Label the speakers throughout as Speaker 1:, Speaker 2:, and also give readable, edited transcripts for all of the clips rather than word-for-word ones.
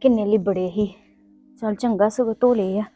Speaker 1: ਕਿੰਨੇ ਲਿਬੜੇ ਹੀ। ਚਲ ਚੰਗਾ ਸਗੋਂ ਧੋ ਲਏ ਆ।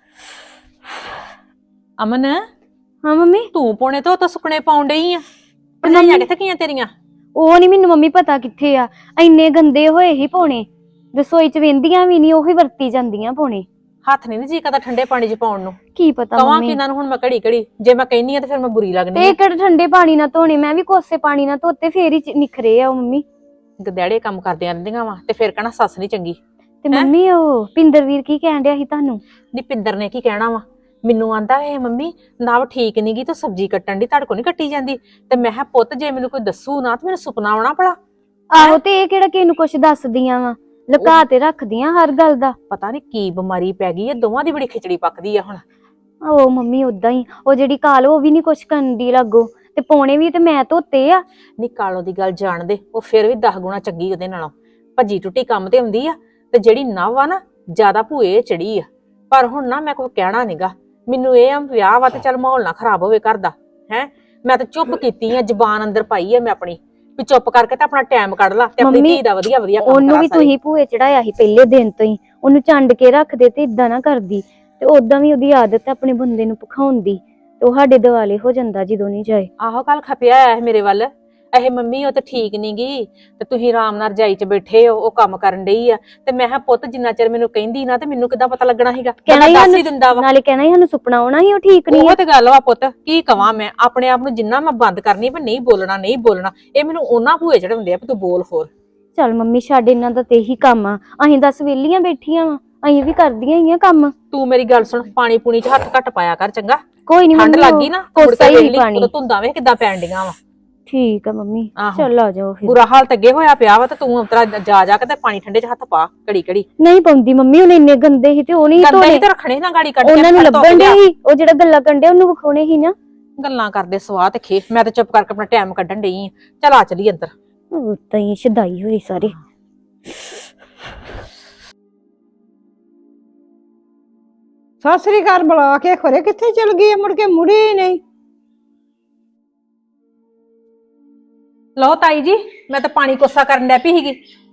Speaker 2: ਅਮਨ
Speaker 1: ਹਾਂ ਮੰਮੀ।
Speaker 2: ਤੂੰ ਪੋਣੇ ਤਾਂ ਸੁਕਣੇ ਪਾਉਣ ਡਈ ਆ। ਭਰਜਾਈਆਂ ਕਿੱਥੇ ਗਈਆਂ ਤੇਰੀਆਂ?
Speaker 1: ਉਹ ਨਹੀਂ ਮੈਨੂੰ ਮੰਮੀ ਪਤਾ ਕਿੱਥੇ ਆ। ਇੰਨੇ ਗੰਦੇ ਹੋਏ ਹੀ ਪਾਉਣੇ, ਰਸੋਈ ਚ ਵੇਂਦੀਆਂ ਵੀ ਨਹੀਂ, ਉਹੀ ਵਰਤੀ ਜਾਂਦੀਆਂ ਪਾਉਣੇ।
Speaker 2: ਹੱਥ ਨਹੀਂ ਜੀ ਕਰਦਾ ਠੰਡੇ ਪਾਣੀ 'ਚ ਪਾਉਣ ਨੂੰ।
Speaker 1: ਕੀ ਪਤਾ
Speaker 2: ਕਵਾਂ
Speaker 1: ਮੰਮੀ,
Speaker 2: ਕਿ ਇਹਨਾਂ ਨੂੰ ਹੁਣ ਮੈਂ ਘੜੀ ਘੜੀ ਜੇ ਮੈਂ ਕਹਿੰਨੀ ਆ ਤੇ ਫਿਰ ਮੈਂ ਬੁਰੀ ਲੱਗਣੀ
Speaker 1: ਤੇ
Speaker 2: ਆ।
Speaker 1: ਕਿਹੜੇ ਠੰਡੇ ਪਾਣੀ ਨਾਲ ਧੋਣੇ, ਮੈਂ ਵੀ ਕੋਸੇ ਪਾਣੀ ਨਾਲ ਧੋਤੇ ਫੇਰ ਹੀ ਨਿਖਰੇ ਆ ਉਹ ਮੰਮੀ।
Speaker 2: ਗਦੈੜੇ ਕੰਮ ਕਰਦੀਆਂ ਰਹਿੰਦੀਆਂ ਵਾ ਤੇ ਫਿਰ ਕਹਿਣਾ ਸੱਸ ਨਹੀਂ ਚੰਗੀ।
Speaker 1: ਤੇ ਮੰਮੀ ਉਹ ਪਿੰਦਰਵੀਰ ਕੀ ਕਹਿਣ ਡਿਆ ਸੀ ਤੁਹਾਨੂੰ?
Speaker 2: ਨੀ ਪਿੰਦਰ ਨੇ ਕੀ ਕਹਿਣਾ ਵਾ, ਮੈਨੂੰ ਆਂਦਾ ਇਹ ਮੰਮੀ ਨਵ ਠੀਕ ਨੀ ਗੀ ਤੂੰ ਸਬਜ਼ੀ ਕੱਟਣ ਦੀ, ਤੁਹਾਡੇ ਕੋਲ ਨੀ ਕੱਟੀ ਜਾਂਦੀ। ਤੇ ਮੈਂ ਕਿਹਾ ਪੁੱਤ ਜੇ ਮੈਨੂੰ ਕੋਈ ਦੱਸੂ ਨਾ ਤੇ ਮੈਨੂੰ ਸੁਪਨਾ ਆਉਣਾ ਭਲਾ।
Speaker 1: ਆਹੋ ਤੇ ਇਹ ਕਿਹੜਾ ਕਿਸੇ ਨੂੰ ਕੁਛ ਦੱਸਦੀਆਂ ਵਾ, ਲੁਕਾ ਤੇ ਰੱਖਦੀਆਂ ਹਰ ਗੱਲ ਦਾ।
Speaker 2: ਪਤਾ ਨੀ ਕੀ ਬਿਮਾਰੀ ਪੈ ਗਈ, ਇਹ ਦੋਵਾਂ ਦੀ ਬੜੀ ਖਿਚੜੀ ਪੱਕਦੀ ਆ ਹੁਣ।
Speaker 1: ਉਹ ਮੰਮੀ ਉਦਾਂ ਹੀ, ਉਹ ਜਿਹੜੀ ਕਾਲ ਉਹ ਵੀ ਨੀ ਕੁਛ ਕਰਨ ਦੀ ਲਾਗੋ, ਤੇ ਪੌਣੇ ਵੀ ਤੇ ਮੈਂ ਧੋਤੇ ਆ।
Speaker 2: ਨੀ ਕਾਲੋ ਦੀ ਗੱਲ ਜਾਣਦੇ, ਉਹ ਫਿਰ ਵੀ 10 ਗੁਣਾ ਚੰਗੀ ਉਹਦੇ ਨਾਲੋਂ। ਭੱਜੀ ਟੁੱਟੀ ਕੰਮ ਤੇ ਹੁੰਦੀ ਆ, ਤੇ ਜਿਹੜੀ ਨਵ ਆ ਨਾ ਜ਼ਿਆਦਾ ਭੂਏ ਚੜੀ ਆ। ਪਰ ਹੁਣ ਨਾ ਮੈਂ ਕੋਈ ਕਹਿਣਾ ਨੀਗਾ, ਮੈਨੂੰ ਇਹ ਆ ਵਿਆਹ ਵਾ ਤੇ ਚੱਲ ਮਾਹੌਲ ਨਾ ਖਰਾਬ ਹੋਵੇ ਘਰ ਦਾ। ਹੈ ਮੈਂ ਤਾਂ ਚੁੱਪ ਕੀਤੀ ਆ, ਜ਼ਬਾਨ ਅੰਦਰ ਪਾਈ ਆ ਮੈਂ ਆਪਣੀ ਵੀ ਚੁੱਪ ਕਰਕੇ ਤੇ ਆਪਣਾ ਟਾਈਮ ਕੱਢ ਲਾ ਤੇ ਆਪਣੀ ਧੀ ਦਾ ਵਧੀਆ ਵਧੀਆ ਕੰਮ ਕਰਾ।
Speaker 1: ਉਹਨੂੰ ਵੀ ਤੁਸੀਂ ਭੂਏ ਚੜਾਇਆ ਸੀ ਪਹਿਲੇ ਦਿਨ ਤੋਂ ਹੀ, ਉਹਨੂੰ ਚੰਡ ਕੇ ਰੱਖਦੇ ਤੇ ਇਦਾਂ ਨਾ ਕਰਦੀ। ਤੇ ਉਦਾਂ ਵੀ ਉਹਦੀ ਆਦਤ ਹੈ ਆਪਣੇ ਬੰਦੇ ਨੂੰ ਭਖਾਉਣ ਦੀ, ਤੇ ਉਹ ਸਾਡੇ ਦਿਵਾਲੇ ਹੋ ਜਾਂਦਾ ਜਦੋਂ ਨਹੀਂ ਜਾਏ।
Speaker 2: ਆਹੋ ਕੱਲ ਖਪਿਆ ਆਇਆ ਮੇਰੇ ਵੱਲ, ਇਹ ਮੰਮੀ ਉਹ ਤੇ ਠੀਕ ਨੀ ਗੀ ਤੇ ਤੁਸੀਂ ਆਰਾਮ ਨਾਲ ਰਜਾਈ 'ਚ ਬੈਠੇ ਹੋ, ਉਹ ਕੰਮ ਕਰਨ ਡਈ ਆ। ਤੇ ਮੈਂ ਕਿਹਾ ਪੁੱਤ ਜਿੰਨਾ ਚਿਰ ਮੈਨੂੰ ਕਹਿੰਦੀ ਨਾ ਤੇ ਮੈਨੂੰ ਕਿੱਦਾਂ ਪਤਾ ਲੱਗਣਾ ਸੀਗਾ, ਕਹਿੰਦਾ ਦੱਸ ਹੀ ਦਿੰਦਾ ਵਾ।
Speaker 1: ਨਾਲੇ ਕਹਿਣਾ ਸਾਨੂੰ ਸੁਪਨਾ ਆਉਣਾ ਸੀ ਉਹ ਠੀਕ ਨਹੀਂ।
Speaker 2: ਉਹ ਤੇ ਗੱਲ ਵਾ ਪੁੱਤ, ਕੀ ਕਵਾਂ ਮੈਂ ਆਪਣੇ ਆਪ ਨੂੰ ਜਿੰਨਾ ਮੈਂ ਬੰਦ ਕਰਨੀ ਵੀ ਨਹੀਂ ਬੋਲਣਾ ਨਹੀਂ ਬੋਲਣਾ, ਇਹ ਮੈਨੂੰ ਉਹਨਾਂ ਭੂਏ ਚੜਾਉਂਦੇ ਆ ਵੀ ਤੂੰ ਬੋਲ ਹੋਰ।
Speaker 1: ਚੱਲ ਮੰਮੀ ਛੱਡ, ਇਹਨਾਂ ਦਾ ਤੇ ਇਹੀ ਕੰਮ ਆ। ਅਸੀਂ 10 ਵੇਲੀਆਂ ਬੈਠੀਆਂ ਵਾ, ਅਸੀਂ ਵੀ ਕਰਦੀਆਂ ਹੀ ਆ ਕੰਮ।
Speaker 2: ਤੂੰ ਮੇਰੀ ਗੱਲ ਸੁਣ, ਪਾਣੀ ਪੂਣੀ 'ਚ ਹੱਥ ਘੱਟ ਪਾਇਆ ਕਰ ਚੰਗਾ।
Speaker 1: ਕੋਈ ਨੀ
Speaker 2: ਠੰਡ
Speaker 1: ਮੰਮੀ,
Speaker 2: ਲੱਗੀ ਨਾ
Speaker 1: ਕੋਸਾ ਹੀ ਪਾਣੀ।
Speaker 2: ਉਦੋਂ ਧੁੰਦਾਂ ਵੇਖ ਕਿੱਦਾਂ ਪੈਣ ਡੀਆਂ ਵਾ।
Speaker 1: ਠੀਕ ਆ ਮੰਮੀ, ਚੱਲ ਆ ਜਾਓ ਫਿਰ।
Speaker 2: ਬੁਰਾ ਹਾਲ ਤੇ ਅੱਗੇ ਹੋਇਆ ਪਿਆ ਵਾ ਤੇ ਤੂੰ ਉਤਰਾ ਜਾ ਕੇ ਤੇ ਪਾਣੀ ਠੰਡੇ 'ਚ ਹੱਥ ਪਾ ਘੜੀ ਘੜੀ।
Speaker 1: ਨਹੀਂ ਪਾਉਂਦੀ ਮੰਮੀ, ਉਹਨੇ ਇੰਨੇ ਗੰਦੇ ਸੀ ਤੇ ਉਹ ਨਹੀਂ
Speaker 2: ਗੰਦੇ ਹੀ ਤੇ ਰੱਖਣੇ ਨਾ ਗਾੜੀ ਕੱਢ ਕੇ।
Speaker 1: ਉਹਨਾਂ ਨੂੰ ਲੱਭਣ ਦੇ ਸੀ, ਉਹ ਜਿਹੜਾ ਗੱਲਾਂ ਕੰਡੇ ਉਹਨੂੰ ਵਿਖਾਉਣੇ ਸੀ ਨਾ।
Speaker 2: ਗੱਲਾਂ ਕਰਦੇ ਸਵਾਹ ਤੇ ਖੇ, ਮੈਂ ਤਾਂ ਚੁੱਪ ਕਰਕੇ ਆਪਣਾ ਟਾਈਮ ਕੱਢਣ ਡਈ ਆ। ਚੱਲ ਆ ਚਲੀ ਅੰਦਰ।
Speaker 1: ਉਹ ਤਾਂ ਹੀ ਸ਼ਦਾਈ ਹੋਈ ਸਾਰੇ।
Speaker 3: ਸਤਿ ਸ੍ਰੀ ਅਕਾਲ ਬੁਲਾ ਕੇ ਖਰੇ ਕਿੱਥੇ ਚਲ ਗਈ ਮੁੜ ਕੇ ਮੁੜੀ ਹੀ ਨਹੀਂ।
Speaker 2: ਲਓ ਤਾਈ ਜੀ, ਮੈਂ ਤਾਂ ਪਾਣੀ ਕੋਸਾ ਕਰਨ ਡੈ ਪਈ ਸੀਗੀ।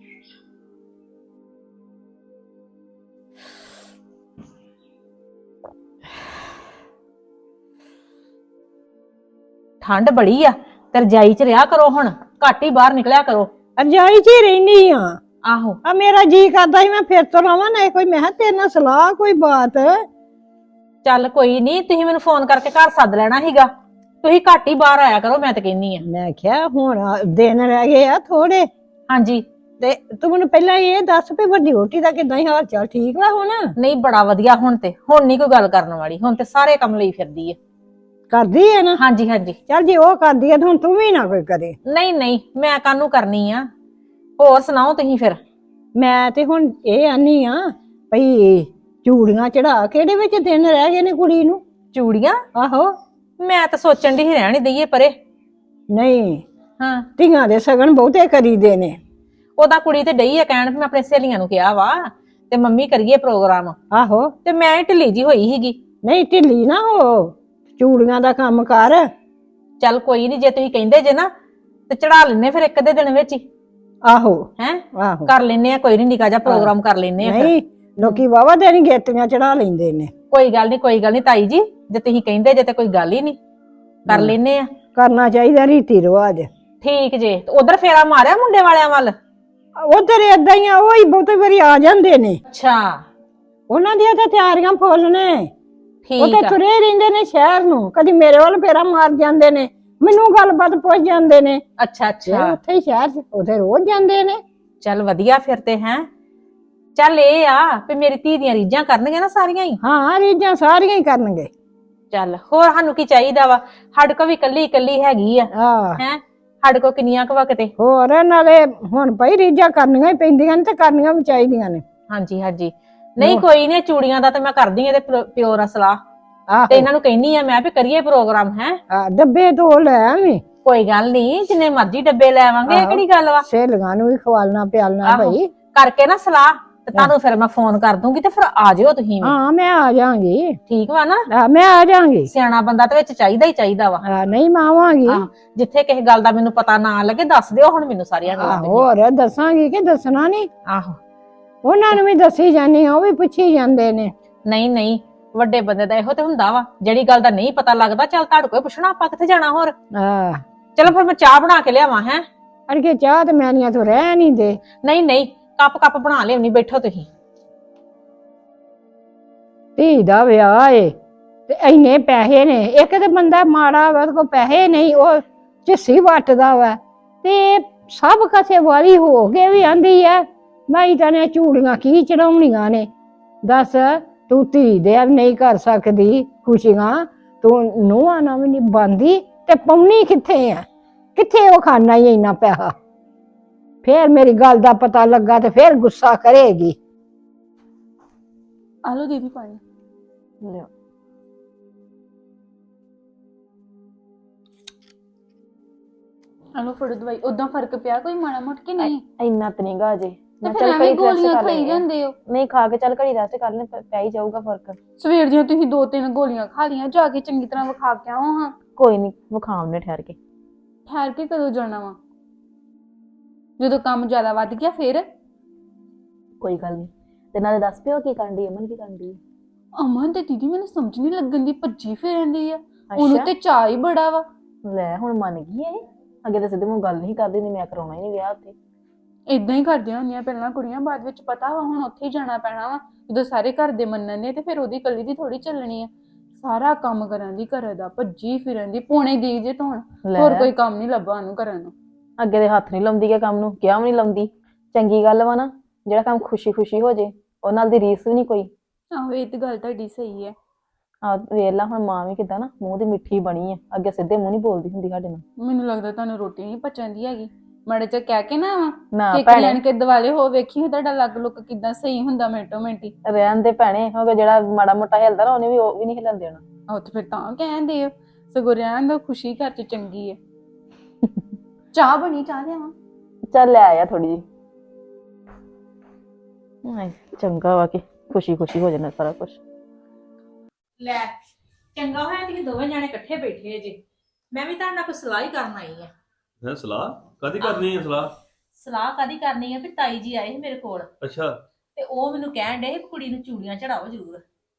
Speaker 2: ਠੰਡ ਬੜੀ ਆ ਤੇ ਰਜਾਈ 'ਚ ਰਿਹਾ ਕਰੋ, ਹੁਣ ਘੱਟ ਹੀ ਬਾਹਰ ਨਿਕਲਿਆ ਕਰੋ।
Speaker 3: ਰਜਾਈ 'ਚ ਹੀ ਰਹਿਨੀ ਆ।
Speaker 2: ਆਹੋ
Speaker 3: ਆ ਮੇਰਾ ਜੀ ਕਰਦਾ ਸੀ ਮੈਂ ਫਿਰ ਤੋਂ ਲਾਵਾਂ ਨਾ ਕੋਈ, ਮੈਂ ਕਿਹਾ ਤੇਰੇ ਨਾਲ ਸਲਾਹ ਕੋਈ ਬਾਤ।
Speaker 2: ਚੱਲ ਕੋਈ ਨਹੀਂ, ਤੁਸੀਂ ਮੈਨੂੰ ਫੋਨ ਕਰਕੇ ਘਰ ਸੱਦ ਲੈਣਾ ਸੀਗਾ। ਤੁਸੀਂ ਘੱਟ ਹੀ ਬਾਹਰ ਆਇਆ ਕਰੋ, ਮੈਂ ਤਾਂ ਕਹਿੰਨੀ ਆ।
Speaker 3: ਮੈਂ ਕਿਹਾ ਹੁਣ ਦਿਨ ਰਹਿ ਗਏ ਆ ਥੋੜੇ,
Speaker 2: ਹਾਂਜੀ
Speaker 3: ਤੇ ਤੂੰ ਮੈਨੂੰ ਪਹਿਲਾਂ ਇਹ ਦੱਸ ਵੀ ਵੱਡੀ ਰੋਟੀ ਦਾ ਕਿੱਦਾਂ ਹੀ ਹਾਲ ਚਾਲ, ਠੀਕ ਵਾ ਹੁਣ?
Speaker 2: ਨਹੀਂ ਬੜਾ ਵਧੀਆ, ਹੁਣ ਤੇ ਹੁਣ ਨਹੀਂ ਕੋਈ ਗੱਲ ਕਰਨ ਵਾਲੀ, ਹੁਣ ਤੇ ਸਾਰੇ ਕੰਮ ਲਈ ਫਿਰਦੀ ਹੈ।
Speaker 3: ਕਰਦੀ ਹੈ ਨਾ?
Speaker 2: ਹਾਂਜੀ ਹਾਂਜੀ।
Speaker 3: ਚੱਲ ਜੇ ਉਹ ਕਰਦੀ ਹੈ ਤਾਂ ਹੁਣ ਤੂੰ ਵੀ ਨਾ ਕੋਈ ਕਰੇ।
Speaker 2: ਨਹੀਂ ਨਹੀਂ, ਮੈਂ ਕਾਹਨੂੰ ਕਰਨੀ ਆ। ਹੋਰ ਸੁਣਾਓ ਤੁਸੀਂ ਫਿਰ?
Speaker 3: ਮੈਂ ਤੇ ਹੁਣ ਇਹ ਆਨੀ ਆ ਭਈ ਚੂੜੀਆਂ ਚੜਾ, ਕਿਹੜੇ ਵਿੱਚ ਦਿਨ ਰਹਿ ਗਏ ਨੇ ਕੁੜੀ ਨੂੰ?
Speaker 2: ਚੂੜੀਆਂ?
Speaker 3: ਆਹੋ।
Speaker 2: ਮੈਂ ਤਾਂ ਸੋਚਣ ਦੀ ਹੀ ਰਹਿਣ ਹੀ ਦਈਏ ਪਰੇ।
Speaker 3: ਨਹੀਂ,
Speaker 2: ਹਾਂ
Speaker 3: ਧੀਆਂ ਦੇ ਸਗਨ ਬਹੁਤੇ ਕਰੀਦੇ ਨੇ।
Speaker 2: ਉਹਦਾ ਕੁੜੀ ਤੇ ਡਈ ਆ ਕਹਿਣ ਵੀ ਮੈਂ ਆਪਣੇ ਸਹੇਲੀਆਂ ਨੂੰ ਕਿਹਾ ਵਾ ਤੇ ਮੰਮੀ ਕਰੀਏ ਪ੍ਰੋਗਰਾਮ।
Speaker 3: ਆਹੋ।
Speaker 2: ਤੇ ਮੈਂ ਢਿੱਲੀ ਜੀ ਹੋਈ ਸੀਗੀ।
Speaker 3: ਨਹੀਂ ਢਿੱਲੀ ਨਾ ਹੋ, ਚੂੜੀਆਂ ਦਾ ਕੰਮ ਕਰ।
Speaker 2: ਚੱਲ ਕੋਈ ਨਹੀਂ, ਜੇ ਤੁਸੀਂ ਕਹਿੰਦੇ ਜੇ ਨਾ ਤੇ ਚੜਾ ਲੈਨੇ ਫਿਰ ਇੱਕ ਅੱਧੇ ਦਿਨ ਵਿੱਚ ਹੀ।
Speaker 3: ਆਹੋ
Speaker 2: ਹੈ
Speaker 3: ਆਹੋ
Speaker 2: ਕਰ ਲੈਨੇ ਆ, ਕੋਈ ਨਹੀਂ, ਨਿੱਕਾ ਜਿਹਾ ਪ੍ਰੋਗਰਾਮ ਕਰ ਲੈਨੇ ਆ।
Speaker 3: ਨਹੀਂ ਲੋਕੀ ਵਾਵਾ ਦਿਨ ਗੇਤੀਆਂ ਚੜਾ ਲੈਂਦੇ ਨੇ।
Speaker 2: ਕੋਈ ਗੱਲ ਨਹੀਂ ਕੋਈ ਗੱਲ ਨਹੀਂ ਤਾਈ ਜੀ, ਜੇ ਤੁਸੀਂ ਕਹਿੰਦੇ ਜੇ ਤੇ ਕੋਈ ਗੱਲ ਹੀ ਨਹੀਂ, ਕਰ ਲੈਨੇ ਆ।
Speaker 3: ਕਰਨਾ ਚਾਹੀਦਾ ਰੀਤੀ ਰਿਵਾਜ।
Speaker 2: ਠੀਕ ਜੇ। ਉਧਰ ਫੇਰਾ ਮਾਰਿਆ ਮੁੰਡੇ ਵਾਲਿਆਂ ਵੱਲ?
Speaker 3: ਉਧਰ ਏਦਾਂ ਹੀ ਆ, ਉਹ ਹੀ ਬਹੁਤੇ ਵਾਰੀ ਆ ਜਾਂਦੇ ਨੇ।
Speaker 2: ਅੱਛਾ
Speaker 3: ਉਹਨਾਂ ਦੀਆਂ ਤਾਂ ਤਿਆਰੀਆਂ ਫੁੱਲ ਨੇ। ਉਹ
Speaker 2: ਠੀਕ
Speaker 3: ਤੇ
Speaker 2: ਆ।
Speaker 3: ਤੁਰੇ ਰਹਿੰਦੇ ਨੇ ਸ਼ਹਿਰ ਨੂੰ, ਕਦੀ ਮੇਰੇ ਵੱਲ ਫੇਰਾ ਮਾਰ ਜਾਂਦੇ ਨੇ, ਮੈਨੂੰ ਗੱਲਬਾਤ ਪੁੱਛ ਜਾਂਦੇ ਨੇ।
Speaker 2: ਅੱਛਾ ਅੱਛਾ,
Speaker 3: ਉੱਥੇ ਹੀ ਸ਼ਹਿਰ ਚ ਉੱਥੇ ਰੋਜ਼ ਜਾਂਦੇ ਨੇ।
Speaker 2: ਚੱਲ ਵਧੀਆ ਫਿਰ ਤੇ। ਹੈ ਚੱਲ ਇਹ ਆ ਵੀ ਮੇਰੀ ਧੀ ਦੀਆਂ ਰੀਝਾਂ ਕਰਨਗੇ ਨਾ ਸਾਰੀਆਂ ਹੀ।
Speaker 3: ਹਾਂ ਰੀਝਾਂ ਸਾਰੀਆਂ ਹੀ ਕਰਨਗੇ।
Speaker 2: ਚੱਲ ਹੋਰ ਸਾਨੂੰ ਕੀ ਚਾਹੀਦਾ ਵਾ, ਸਾਡੇ ਕੋ ਵੀ ਕੱਲੀ ਕੱਲੀ ਹੈਗੀ ਆ।
Speaker 3: ਆਹ
Speaker 2: ਹੈ ਸਾਡੇ ਕੋ ਕਿੰਨੀਆਂ ਕੁ ਵਕਤੇ।
Speaker 3: ਹੋਰ ਨਾਲੇ ਹੁਣ ਪਈ ਰੀਝਾਂ ਕਰਨੀਆਂ ਹੀ ਪੈਂਦੀਆਂ ਨੇ ਤੇ ਕਰਨੀਆਂ ਵੀ ਚਾਹੀਦੀਆਂ ਨੇ।
Speaker 2: ਹਾਂਜੀ ਹਾਂਜੀ। ਨਹੀਂ ਕੋਈ ਨੀ, ਚੂੜੀਆਂ ਦਾ ਤੇ ਮੈਂ ਕਰਦੀ ਆ ਤੇ ਪਿਓ ਨਾਲ ਸਲਾਹ, ਤੇ
Speaker 3: ਆਹੋ
Speaker 2: ਇਹਨਾਂ ਨੂੰ ਕਹਿੰਨੀ ਆ ਮੈਂ ਵੀ ਕਰੀਏ ਪ੍ਰੋਗਰਾਮ। ਹੈ
Speaker 3: ਡੱਬੇ ਤੋਂ ਲੈ ਆਵੀਂ,
Speaker 2: ਕੋਈ ਗੱਲ ਨਹੀਂ, ਜਿੰਨੇ ਮਰਜ਼ੀ ਡੱਬੇ ਲੈ ਆਵਾਂਗੇ, ਇਹ ਕਿਹੜੀ ਗੱਲ ਵਾ।
Speaker 3: ਸਹੇਲੀਆਂ ਨੂੰ ਵੀ ਖਵਾਲਣਾ ਪਿਆਲਣਾ
Speaker 2: ਆਹੋ,
Speaker 3: ਭਾਈ।
Speaker 2: ਕਰਕੇ ਨਾ ਸਲਾਹ ਤੇ ਤੁਹਾਨੂੰ ਫਿਰ ਮੈਂ ਫੋਨ ਕਰ ਦੂੰਗੀ ਤੇ ਫਿਰ ਆ ਜਿਓ ਤੁਸੀਂ ਵੀ।
Speaker 3: ਹਾਂ ਮੈਂ ਆ ਜਾਵਾਂਗੀ।
Speaker 2: ਠੀਕ ਵਾ ਨਾ?
Speaker 3: ਮੈਂ ਆ ਜਾਵਾਂਗੀ।
Speaker 2: ਸਿਆਣਾ ਬੰਦਾ ਤੇ ਵਿੱਚ ਚਾਹੀਦਾ ਹੀ ਚਾਹੀਦਾ ਵਾ।
Speaker 3: ਨਹੀਂ ਮੈਂ ਆਵਾਂਗੀ।
Speaker 2: ਜਿੱਥੇ ਕਿਸੇ ਗੱਲ ਦਾ ਮੈਨੂੰ ਪਤਾ ਨਾ ਲੱਗੇ ਦੱਸ ਦਿਓ ਹੁਣ ਮੈਨੂੰ ਸਾਰੀਆਂ ਗੱਲਾਂ।
Speaker 3: ਹੋਰ ਦੱਸਾਂਗੀ ਕਿ ਦੱਸਣਾ ਨਹੀਂ।
Speaker 2: ਆਹੋ
Speaker 3: ਉਹਨਾਂ ਨੂੰ ਵੀ ਦੱਸੀ ਜਾਂਦੀ ਆ, ਉਹ ਵੀ ਪੁੱਛੀ ਜਾਂਦੇ ਨੇ।
Speaker 2: ਨਹੀਂ ਨਹੀਂ, ਵੱਡੇ ਬੰਦੇ ਦਾ ਇਹੋ ਤੇ ਹੁੰਦਾ ਵਾ, ਜਿਹੜੀ ਗੱਲ ਦਾ ਨਹੀਂ ਪਤਾ ਲੱਗਦਾ ਚੱਲ ਤੁਹਾਡੇ ਕੋਲ ਪੁੱਛਣਾ, ਆਪਾਂ ਕਿੱਥੇ ਜਾਣਾ ਹੋਰ।
Speaker 3: ਆਹ
Speaker 2: ਚਲੋ ਫਿਰ ਮੈਂ ਚਾਹ ਬਣਾ ਕੇ ਲਿਆਵਾਂ ਹੈ।
Speaker 3: ਅੜਕੇ ਚਾਹ ਤੇ ਮੈਨੀਆਂ ਤੋਂ ਰਹਿ ਨਹੀਂ ਦੇ।
Speaker 2: ਨਹੀਂ ਨਹੀਂ, ਕੱਪ ਬਣਾ ਲਿਆਉਣੀ, ਬੈਠੋ ਤੁਸੀਂ।
Speaker 3: ਧੀ ਦਾ ਵਿਆਹ ਏ ਤੇ ਇੰਨੇ ਪੈਸੇ ਨੇ, ਇੱਕ ਤੇ ਬੰਦਾ ਮਾੜਾ ਵਾ, ਉਹਦੇ ਕੋਲ ਪੈਸੇ ਨਹੀਂ, ਉਹ ਝਿੱਸੀ ਵੱਟਦਾ ਵਾ, ਤੇ ਸਭ ਕਸੇ ਵਾਲੀ ਹੋ ਕੇ ਵੀ ਆਂਦੀ ਆ ਮੈਂ ਤਾਂ ਨੇ ਚੂੜੀਆਂ ਕੀ ਚੜਾਉਣੀਆਂ ਨੇ। ਦੱਸ ਤੂੰ ਧੀ ਦੇ ਨਹੀਂ ਕਰ ਸਕਦੀ ਖੁਸ਼ੀਆਂ, ਤੂੰ ਨੂੰਹਾਂ ਨਾਲ ਵੀ ਨਹੀਂ ਬੰਦੀ ਤੇ ਪਾਉਣੀ ਕਿੱਥੇ ਆ? ਕਿੱਥੇ ਉਹ ਖਾਣਾ ਹੀ ਇੰਨਾ ਪੈਸਾ? ਫੇਰ ਮੇਰੀ ਗੱਲ ਦਾ ਪਤਾ ਲੱਗਾ ਤੇ ਫੇਰ ਗੁੱਸਾ ਕਰੇਗੀ।
Speaker 4: ਆਲੋ ਦੀਦੀ ਪਾਣੀ
Speaker 2: ਲਿਓ।
Speaker 4: ਆਲੋ ਫੜੋ ਦਵਾਈ। ਉਦਾਂ ਫਰਕ ਪਿਆ ਕੋਈ ਮਾੜਾ ਮੋਟ ਕਿ ਨਹੀਂ?
Speaker 1: ਇੰਨਾ ਤੇ ਨਹੀਂਗਾ ਅਜੇ।
Speaker 4: ਤੇ ਫਿਰ ਐਵੇਂ ਗੋਲੀਆਂ ਖਾਈ ਜਾਂਦੇ ਹੋ।
Speaker 1: ਨਹੀਂ ਖਾ ਕੇ ਚੱਲ ਘੜੀ ਰੈਸਟ ਕਰ ਲੈ, ਪੈ ਹੀ ਜਾਊਗਾ ਫਰਕ।
Speaker 4: ਸਵੇਰ ਦੀਆਂ ਤੁਸੀਂ 2-3 ਗੋਲੀਆਂ ਖਾ ਲੀਆਂ, ਜਾ ਕੇ ਚੰਗੀ ਤਰ੍ਹਾਂ ਵਿਖਾ ਕੇ ਆਓ ਹਾਂ।
Speaker 1: ਕੋਈ ਨਹੀਂ ਵਿਖਾਉਣੇ ਠਹਿਰ ਕੇ।
Speaker 4: ਠਹਿਰ ਕੇ ਕਦੋਂ ਜਾਣਾ ਵਾ? ਜਦੋਂ ਕੰਮ ਜ਼ਿਆਦਾ ਵੱਧ ਗਿਆ ਫਿਰ?
Speaker 1: ਕੋਈ ਗੱਲ ਨਹੀਂ। ਤੇ ਨਾਲੇ ਦੱਸ ਪਿਓ ਕੀ ਕਰਦੀ ਅਮਨ, ਕੀ ਕਰਦੀ?
Speaker 4: ਅਮਨ ਤੇ ਦੀਦੀ ਮੈਨੂੰ ਸਮਝ ਨਹੀਂ ਲੱਗਣ ਦੀ, ਭੱਜੀ ਫਿਰਦੀ ਆ। ਉਹਨੂੰ ਤੇ ਚਾਅ ਹੀ ਬੜਾ ਵਾ।
Speaker 1: ਲੈ ਹੁਣ ਮੰਨ ਗਈ ਇਹ। ਅੱਗੇ ਤਾਂ ਸਿੱਧੇ ਮੂੰਹ ਗੱਲ ਨਹੀਂ ਕਰਦੀ, ਨਹੀਂ ਮੈਂ ਕਰਾਉਣਾ ਹੀ ਨਹੀਂ ਵਿਆਹ ਉੱਥੇ।
Speaker 4: ਇਦਾਂ ਹੀ ਕਰਦੀਆਂ ਹੁੰਦੀਆਂ ਪਹਿਲਾਂ ਕੁੜੀਆਂ, ਬਾਅਦ ਵਿੱਚ ਪਤਾ ਵਾ ਹੁਣ ਉੱਥੇ ਹੀ ਜਾਣਾ ਪੈਣਾ ਵਾ। ਜਦੋਂ ਸਾਰੇ ਘਰ ਦੇ ਮੰਨਣ ਨੇ ਤੇ ਫਿਰ ਉਹਦੀ ਇਕੱਲੀ ਦੀ ਥੋੜੀ ਚੱਲਣੀ ਆ। ਸਾਰਾ ਕੰਮ ਕਰਨ ਦੀ, ਘਰ ਦਾ ਭੱਜੀ ਫਿਰਨ ਦੀ, ਪੌਣੇ ਦੀ ਜੇ ਧੋਣ, ਹੋਰ ਕੋਈ ਕੰਮ ਨਹੀਂ ਲੱਭਾ ਉਹਨੂੰ ਕਰਨ ਨੂੰ।
Speaker 1: ਅੱਗੇ ਦੇ ਹੱਥ ਨਹੀਂ ਲਾਉਂਦੀ ਕਿ ਕੰਮ ਨੂੰ, ਕਿਹਾ ਵੀ ਨਹੀਂ ਲਾਉਂਦੀ। ਚੰਗੀ ਗੱਲ ਵਾ ਨਾ, ਜਿਹੜਾ ਕੰਮ ਖੁਸ਼ੀ ਖੁਸ਼ੀ ਹੋ ਜੇ, ਉਹ ਨਾਲ ਦੀ ਰੀਸ ਵੀ ਨਹੀਂ ਕੋਈ।
Speaker 4: ਆਹੋ ਇਹ ਤੇ ਗੱਲ ਤੁਹਾਡੀ ਸਹੀ ਹੈ।
Speaker 1: ਆ ਵੇਖ ਲਾ ਹੁਣ ਮਾਂ ਵੀ ਕਿੱਦਾਂ ਨਾ ਮੂੰਹ ਦੀ ਮਿੱਠੀ ਬਣੀ ਆ, ਅੱਗੇ ਸਿੱਧੇ ਮੂੰਹ ਨਹੀਂ ਬੋਲਦੀ ਹੁੰਦੀ ਸਾਡੇ ਨਾਲ।
Speaker 4: ਮੈਨੂੰ ਲੱਗਦਾ ਤੁਹਾਨੂੰ ਰੋਟੀ ਨਹੀਂ ਪਚਾਂਦੀ ਹੈਗੀ। ਮਾੜੇ ਚ ਕਹਿ ਕੇ ਨਾ
Speaker 1: ਨਾ
Speaker 4: ਕਿ ਲੈਣ ਕੇ ਦਿਵਾਲੇ ਹੋ, ਵੇਖੀ ਤੁਹਾਡਾ ਲੱਗ ਲੁੱਕ ਕਿੱਦਾਂ ਸਹੀ ਹੁੰਦਾ ਮਿੰਟੋ ਮਿੰਟੀ।
Speaker 1: ਰਹਿਣ ਦੇ ਭੈਣੇ, ਹੋ ਜਿਹੜਾ ਮਾੜਾ ਮੋਟਾ ਹਿਲਦਾ ਨਾ ਉਹਨੇ ਵੀ ਉਹ ਵੀ ਨਹੀਂ ਹਿਲਣ ਦੇਣਾ।
Speaker 4: ਆਹ ਤੇ ਫਿਰ ਤਾਂ ਕਹਿੰਦੇ ਹੋ, ਸਗੋਂ ਰਹਿਣ ਦਾ ਖੁਸ਼ੀ ਘਰ ਚ ਚੰਗੀ ਹੈ। ਚਾਹ ਬਣੀ, ਚਾਹ ਲਿਆਵਾਂ?
Speaker 1: ਚੱਲ ਲੈ ਆਇਆ ਥੋੜੀ ਜਿਹੀ। ਚੰਗਾ ਵਾ ਕਿ ਖੁਸ਼ੀ ਖੁਸ਼ੀ ਹੋ ਜਾਣਾ ਸਾਰਾ ਕੁਝ।
Speaker 2: ਲੈ ਚੰਗਾ ਹੋਇਆ ਤੁਸੀਂ ਦੋਵੇਂ ਜਾਣੇ ਇਕੱਠੇ ਬੈਠੇ ਜੇ। ਮੈਂ ਵੀ ਤੁਹਾਡੇ ਨਾਲ ਕੋਈ ਸਲਾਹ ਹੀ ਕਰਨ ਆਈ ਆ।
Speaker 5: ਹੈ ਸਲਾਹ ਕਾਦੀ ਕਰਨੀ ਹੈ?
Speaker 2: ਸਲਾਹ ਕਾਦੀ ਕਰਨੀ ਆ ਵੀ ਤਾਈ ਜੀ ਆਏ ਸੀ ਮੇਰੇ ਕੋਲ,
Speaker 5: ਅੱਛਾ।
Speaker 2: ਤੇ ਉਹ ਮੈਨੂੰ ਕਹਿਣ ਡੇ ਕੁੜੀ ਨੂੰ ਚੂੜੀਆਂ ਚੜਾਓ ਜ਼ਰੂਰ।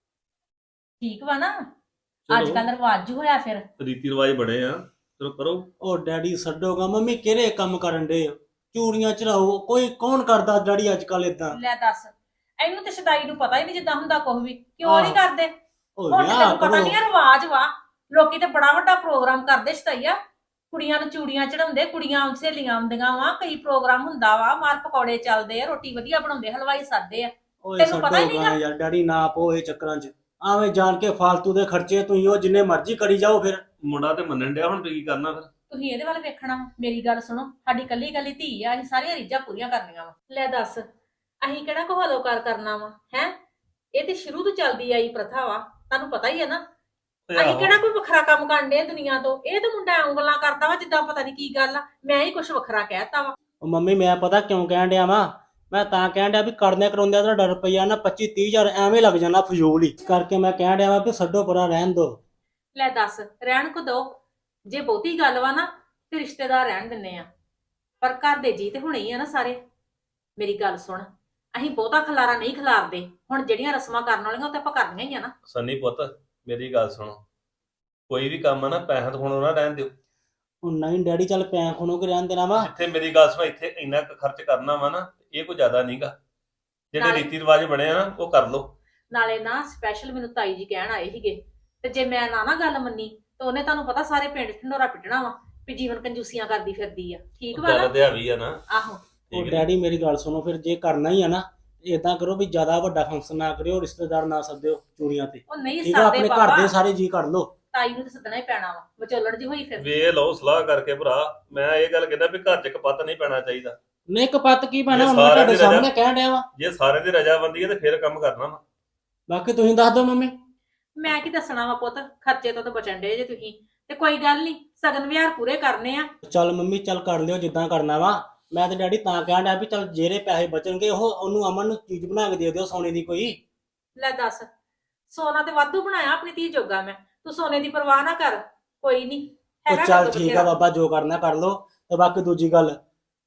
Speaker 2: ਠੀਕ ਵਾ ਨਾ? ਅੱਜ ਕੱਲ ਰਿਵਾਜ ਹੋਇਆ, ਫਿਰ
Speaker 5: ਰੀਤੀ ਰਿਵਾਜ ਬਣੇ ਆ, ਚਲੋ ਕਰੋ।
Speaker 6: ਉਹ ਡੈਡੀ ਛੱਡੋਗਾ, ਮੰਮੀ ਕਿਹੜੇ ਕੰਮ ਕਰਨ ਦੇ? ਚੂੜੀਆਂ ਚੜਾਓ, ਕੋਈ ਕੌਣ ਕਰਦਾ ਡੈਡੀ ਅੱਜ ਕੱਲ ਇਦਾਂ?
Speaker 2: ਲੈ ਦੱਸ, ਇਹਨੂੰ ਤੇ ਸ਼ਦਾਈ ਨੂੰ ਪਤਾ ਹੀ ਨਹੀਂ ਜਿੱਦਾਂ ਹੁੰਦਾ ਕੁਝ ਵੀ, ਕਿਉਂ ਨਹੀਂ ਕਰਦੇ?
Speaker 6: ਉਹ
Speaker 2: ਹੁਣ ਤੇ
Speaker 6: ਵਿਆਹ
Speaker 2: ਤੈਨੂੰ ਪਤਾ
Speaker 6: ਕਰੋ।
Speaker 2: ਨਹੀਂ ਰਿਵਾਜ ਵਾ, ਲੋਕੀ ਤੇ ਬੜਾ ਵੱਡਾ ਪ੍ਰੋਗਰਾਮ ਕਰਦੇ ਸ਼ਦਾਈਆ, ਕੁੜੀਆਂ ਨੂੰ ਚੂੜੀਆਂ ਚੜਾਉਂਦੇ, ਕੁੜੀਆਂ ਸਹੇਲੀਆਂ ਆਉਂਦੀਆਂ ਵਾ, ਕਈ ਪ੍ਰੋਗਰਾਮ ਹੁੰਦਾ ਵਾ, ਮਾਰ ਪਕੌੜੇ ਚੱਲਦੇ ਆ, ਰੋਟੀ ਵਧੀਆ ਬਣਾਉਂਦੇ, ਹਲਵਾਈ ਸਾਦੇ ਆ।
Speaker 6: ਓਏ
Speaker 2: ਤੈਨੂੰ ਪਤਾ ਹੀ
Speaker 6: ਛੱਡੋਗਾ ਯਾਰ ਡੈਡੀ, ਨਾ ਪੋ ਇਹ ਚੱਕਰਾਂ 'ਚ। ਆਵੇਂ ਜਾਣ ਕੇ ਫਾਲਤੂ ਦੇ ਖਰਚੇ ਤੁਸੀਂ ਉਹ ਜਿੰਨੇ ਮਰਜ਼ੀ ਕਰੀ ਜਾਓ। ਫਿਰ
Speaker 5: ਮੁੰਡਾ ਤੇ ਮੰਨਣ ਡਿਆ, ਹੁਣ ਤੁਸੀਂ ਕੀ ਕਰਨਾ ਫਿਰ?
Speaker 2: ਤੁਸੀਂ ਇਹਦੇ ਵੱਲ ਵੇਖਣਾ ਵਾ। ਮੇਰੀ ਗੱਲ ਸੁਣੋ, ਸਾਡੀ ਕੱਲੀ ਕੱਲੀ ਧੀ ਆ, ਅਸੀਂ ਸਾਰੀਆਂ ਰੀਝਾਂ ਪੂਰੀਆਂ ਕਰਨੀਆਂ ਵਾ। ਲੈ ਦੱਸ, ਅਸੀਂ ਕਿਹੜਾ ਕਹਾਲੋਕਾਰ ਕਰਨਾ ਵਾ ਹੈ? ਇਹ ਤੇ ਸ਼ੁਰੂ ਤੋਂ ਚੱਲਦੀ ਆਈ ਪ੍ਰਥਾ ਵਾ, ਤੁਹਾਨੂੰ ਪਤਾ ਹੀ ਹੈ ਨਾ। ਅਸੀਂ ਕਿਹੜਾ ਕੋਈ ਵੱਖਰਾ ਕੰਮ ਕਰਦੇ ਆ ਦੁਨੀਆ ਤੋਂ? ਇਹ ਤਾਂ ਮੁੰਡਾ ਉਂਗਲਾਂ ਕਰਦਾ ਵਾ ਜਿੱਦਾਂ ਪਤਾ ਨਹੀਂ ਕੀ ਗੱਲ ਆ, ਮੈਂ ਹੀ ਕੁਝ ਵੱਖਰਾ ਕਹਿਤਾ ਵਾ।
Speaker 6: ਉਹ ਮੰਮੀ ਮੈਂ ਪਤਾ ਕਿਉਂ ਕਹਿਣ ਡਿਆ ਵਾ? ਮੈਂ ਤਾਂ ਕਹਿਣ ਡਿਆ ਵੀ ਕਰਨੇ ਕਰਾਉਂਦੇ ਤੁਹਾਡਾ ਰੁਪਈਆ ਨਾ 25-30 ਹਜ਼ਾਰ ਐਵੇਂ ਲੱਗ ਜਾਣਾ ਫਜ਼ੂਲ ਹੀ। ਇਸ ਕਰਕੇ ਮੈਂ ਕਹਿਣ ਡਿਆ ਵਾ ਵੀ ਛੱਡੋ ਪਰਾਂ, ਰਹਿਣ ਦੋ।
Speaker 2: ਲੈ ਦੱਸ, ਰਹਿਣ ਕੋ ਦੋ? ਜੇ ਬਹੁਤੀ ਗੱਲ ਵਾ ਨਾ ਤੇ ਰਿਸ਼ਤੇਦਾਰ ਰਹਿਣ ਦਿੰਨੇ ਆ, ਪਰ ਘਰ ਦੇ ਜੀ ਤੇ ਹੁਣੇ ਹੀ ਆ ਨਾ ਸਾਰੇ। ਮੇਰੀ ਗੱਲ ਸੁਣ, ਅਸੀਂ ਬਹੁਤਾ ਖਲਾਰਾ ਨਹੀਂ ਖਿਲਾਰਦੇ। ਹੁਣ ਜਿਹੜੀਆਂ ਰਸਮਾਂ ਕਰਨ ਵਾਲੀਆਂ ਉਹ ਤਾਂ ਆਪਾਂ ਕਰਨੀਆਂ ਹੀ ਆ ਨਾ।
Speaker 5: ਸੰਨੀ ਪੁੱਤ ਮੇਰੀ ਗੱਲ ਸੁਣੋ, ਕੋਈ ਵੀ ਕੰਮ ਆ ਨਾ ਪੈਸਾ ਤੋਂ ਹੁਣ ਨਾ ਰਹਿਣ ਦਿਓ।
Speaker 6: ਉਹ ਨਹੀਂ ਡੈਡੀ, ਚੱਲ ਪੈ ਖੁਣੋ ਕੇ ਰਹਿਣ ਦੇਣਾ ਵਾ।
Speaker 5: ਜਿੱਥੇ ਮੇਰੀ ਗੱਲ ਸੁਣੋ, ਇੱਥੇ ਇੰਨਾ ਕੁ ਖਰਚ ਕਰਨਾ ਵਾ ਨਾ, ਇਹ ਕੋਈ ਜ਼ਿਆਦਾ ਨਹੀਂਗਾ। ਜਿਹੜੇ ਰੀਤੀ ਰਿਵਾਜ ਬਣੇ ਆ ਨਾ ਉਹ ਕਰ ਲਓ।
Speaker 2: ਨਾਲੇ ਨਾ ਸਪੈਸ਼ਲ ਮੈਨੂੰ ਤਾਈ ਜੀ ਕਹਿਣ ਆਏ ਸੀਗੇ, ਤੇ ਜੇ ਮੈਂ ਨਾ ਗੱਲ ਮੰਨੀ ਤਾਂ ਉਹਨੇ ਤੁਹਾਨੂੰ ਪਤਾ ਸਾਰੇ ਪਿੰਡ ਢਿੰਡੋਰਾ ਪਿੱਟਣਾ ਵਾ ਵੀ ਜੀਵਨ ਕੰਜੂਸੀਆਂ ਕਰਦੀ ਫਿਰਦੀ ਆ। ਠੀਕ ਵਾ ਨਾ?
Speaker 5: ਗੱਲ ਤੇ ਵੀ ਆ ਨਾ।
Speaker 2: ਆਹੋ।
Speaker 6: ਉਹ ਡੈਡੀ ਮੇਰੀ ਗੱਲ ਸੁਣੋ, ਫਿਰ ਜੇ ਕਰਨਾ ਹੀ ਆ ਨਾ ਇਦਾਂ ਕਰੋ ਵੀ ਜ਼ਿਆਦਾ ਵੱਡਾ ਫੰਕਸ਼ਨ ਨਾ ਕਰਿਓ, ਰਿਸ਼ਤੇਦਾਰ ਨਾ ਸੱਦਿਓ ਚੂੜੀਆਂ ਤੇ।
Speaker 2: ਉਹ ਨਹੀਂ
Speaker 6: ਠੀਕ ਆ,
Speaker 2: ਸਾਡੇ
Speaker 6: ਆਪਣੇ ਘਰ
Speaker 2: ਬਾਬਾ,
Speaker 6: ਦੇ ਸਾਰੇ ਜੀ ਕਰ ਲਓ।
Speaker 2: ਤਾਈ ਨੂੰ ਤਾਂ ਸੱਦਣਾ ਹੀ ਪੈਣਾ ਵਾ, ਵਿਚੋਲਣ ਜੀ ਹੋਈ ਫਿਰ।
Speaker 5: ਵੇ ਲਓ ਸਲਾਹ ਕਰਕੇ ਭਰਾ। ਮੈਂ ਇਹ ਗੱਲ ਕਹਿੰਦਾ ਵੀ ਘਰ 'ਚ ਕਪੱਤ ਨਹੀਂ ਪੈਣਾ ਚਾਹੀਦਾ।
Speaker 6: ਨਹੀਂ ਕਪੱਤ ਕੀ ਪੈਣਾ,
Speaker 5: ਇਹ
Speaker 6: ਹੁਣ ਮੈਂ
Speaker 5: ਸਾਰਿਆਂ
Speaker 6: ਤੁਹਾਡੇ
Speaker 5: ਦੀ
Speaker 6: ਸਾਹਮਣੇ ਕਹਿਣ ਡਿਆ ਵਾ।
Speaker 5: ਜੇ ਸਾਰੇ ਦੀ ਰਜਾਮੰਦੀ ਹੈ ਤੇ ਫਿਰ ਕੰਮ ਕਰਨਾ ਵਾ।
Speaker 6: ਬਾਕੀ ਤੁਸੀਂ ਦੱਸ ਦਿਓ ਮੰਮੀ।
Speaker 2: ਮੈਂ ਕੀ ਦੱਸਣਾ ਵਾ ਪੁੱਤ, ਖਰਚੇ ਤੋਂ ਤਾਂ ਬਚਣ ਡੇ ਜੇ ਤੁਸੀਂ। ਤੇ ਕੋਈ ਗੱਲ ਨਹੀਂ, ਸਗਨ ਵਿਹਾਰ ਪੂਰੇ ਕਰਨੇ ਆ।
Speaker 6: ਚੱਲ ਮੰਮੀ, ਚੱਲ ਕਰ ਲਿਓ ਜਿੱਦਾਂ ਕਰਨਾ ਵਾ। ਮੈਂ ਤੇ ਡੈਡੀ ਤਾਂ ਕਹਿਣ ਡਿਆ ਵੀ ਚੱਲ ਜਿਹੜੇ ਪੈਸੇ ਬਚਣਗੇ ਉਹ ਉਹਨੂੰ ਅਮਨ ਨੂੰ ਚੀਜ਼ ਬਣਾ ਕੇ ਦੇ ਦਿਓ ਸੋਨੇ ਦੀ ਕੋਈ।
Speaker 2: ਲੈ ਦੱਸ, ਸੋਨਾ ਤੇ ਵਾਧੂ ਬਣਾਇਆ ਆਪਣੀ ਧੀ ਜੋਗਾ ਮੈਂ, ਤੂੰ ਸੋਨੇ ਦੀ ਪਰਵਾਹ ਨਾ ਕਰ। ਕੋਈ ਨਹੀਂ
Speaker 6: ਉਹ ਚੱਲ ਠੀਕ ਆ ਬਾਬਾ, ਜੋ ਕਰਨਾ ਕਰ ਲਓ। ਤੇ ਬਾਕੀ ਦੂਜੀ ਗੱਲ,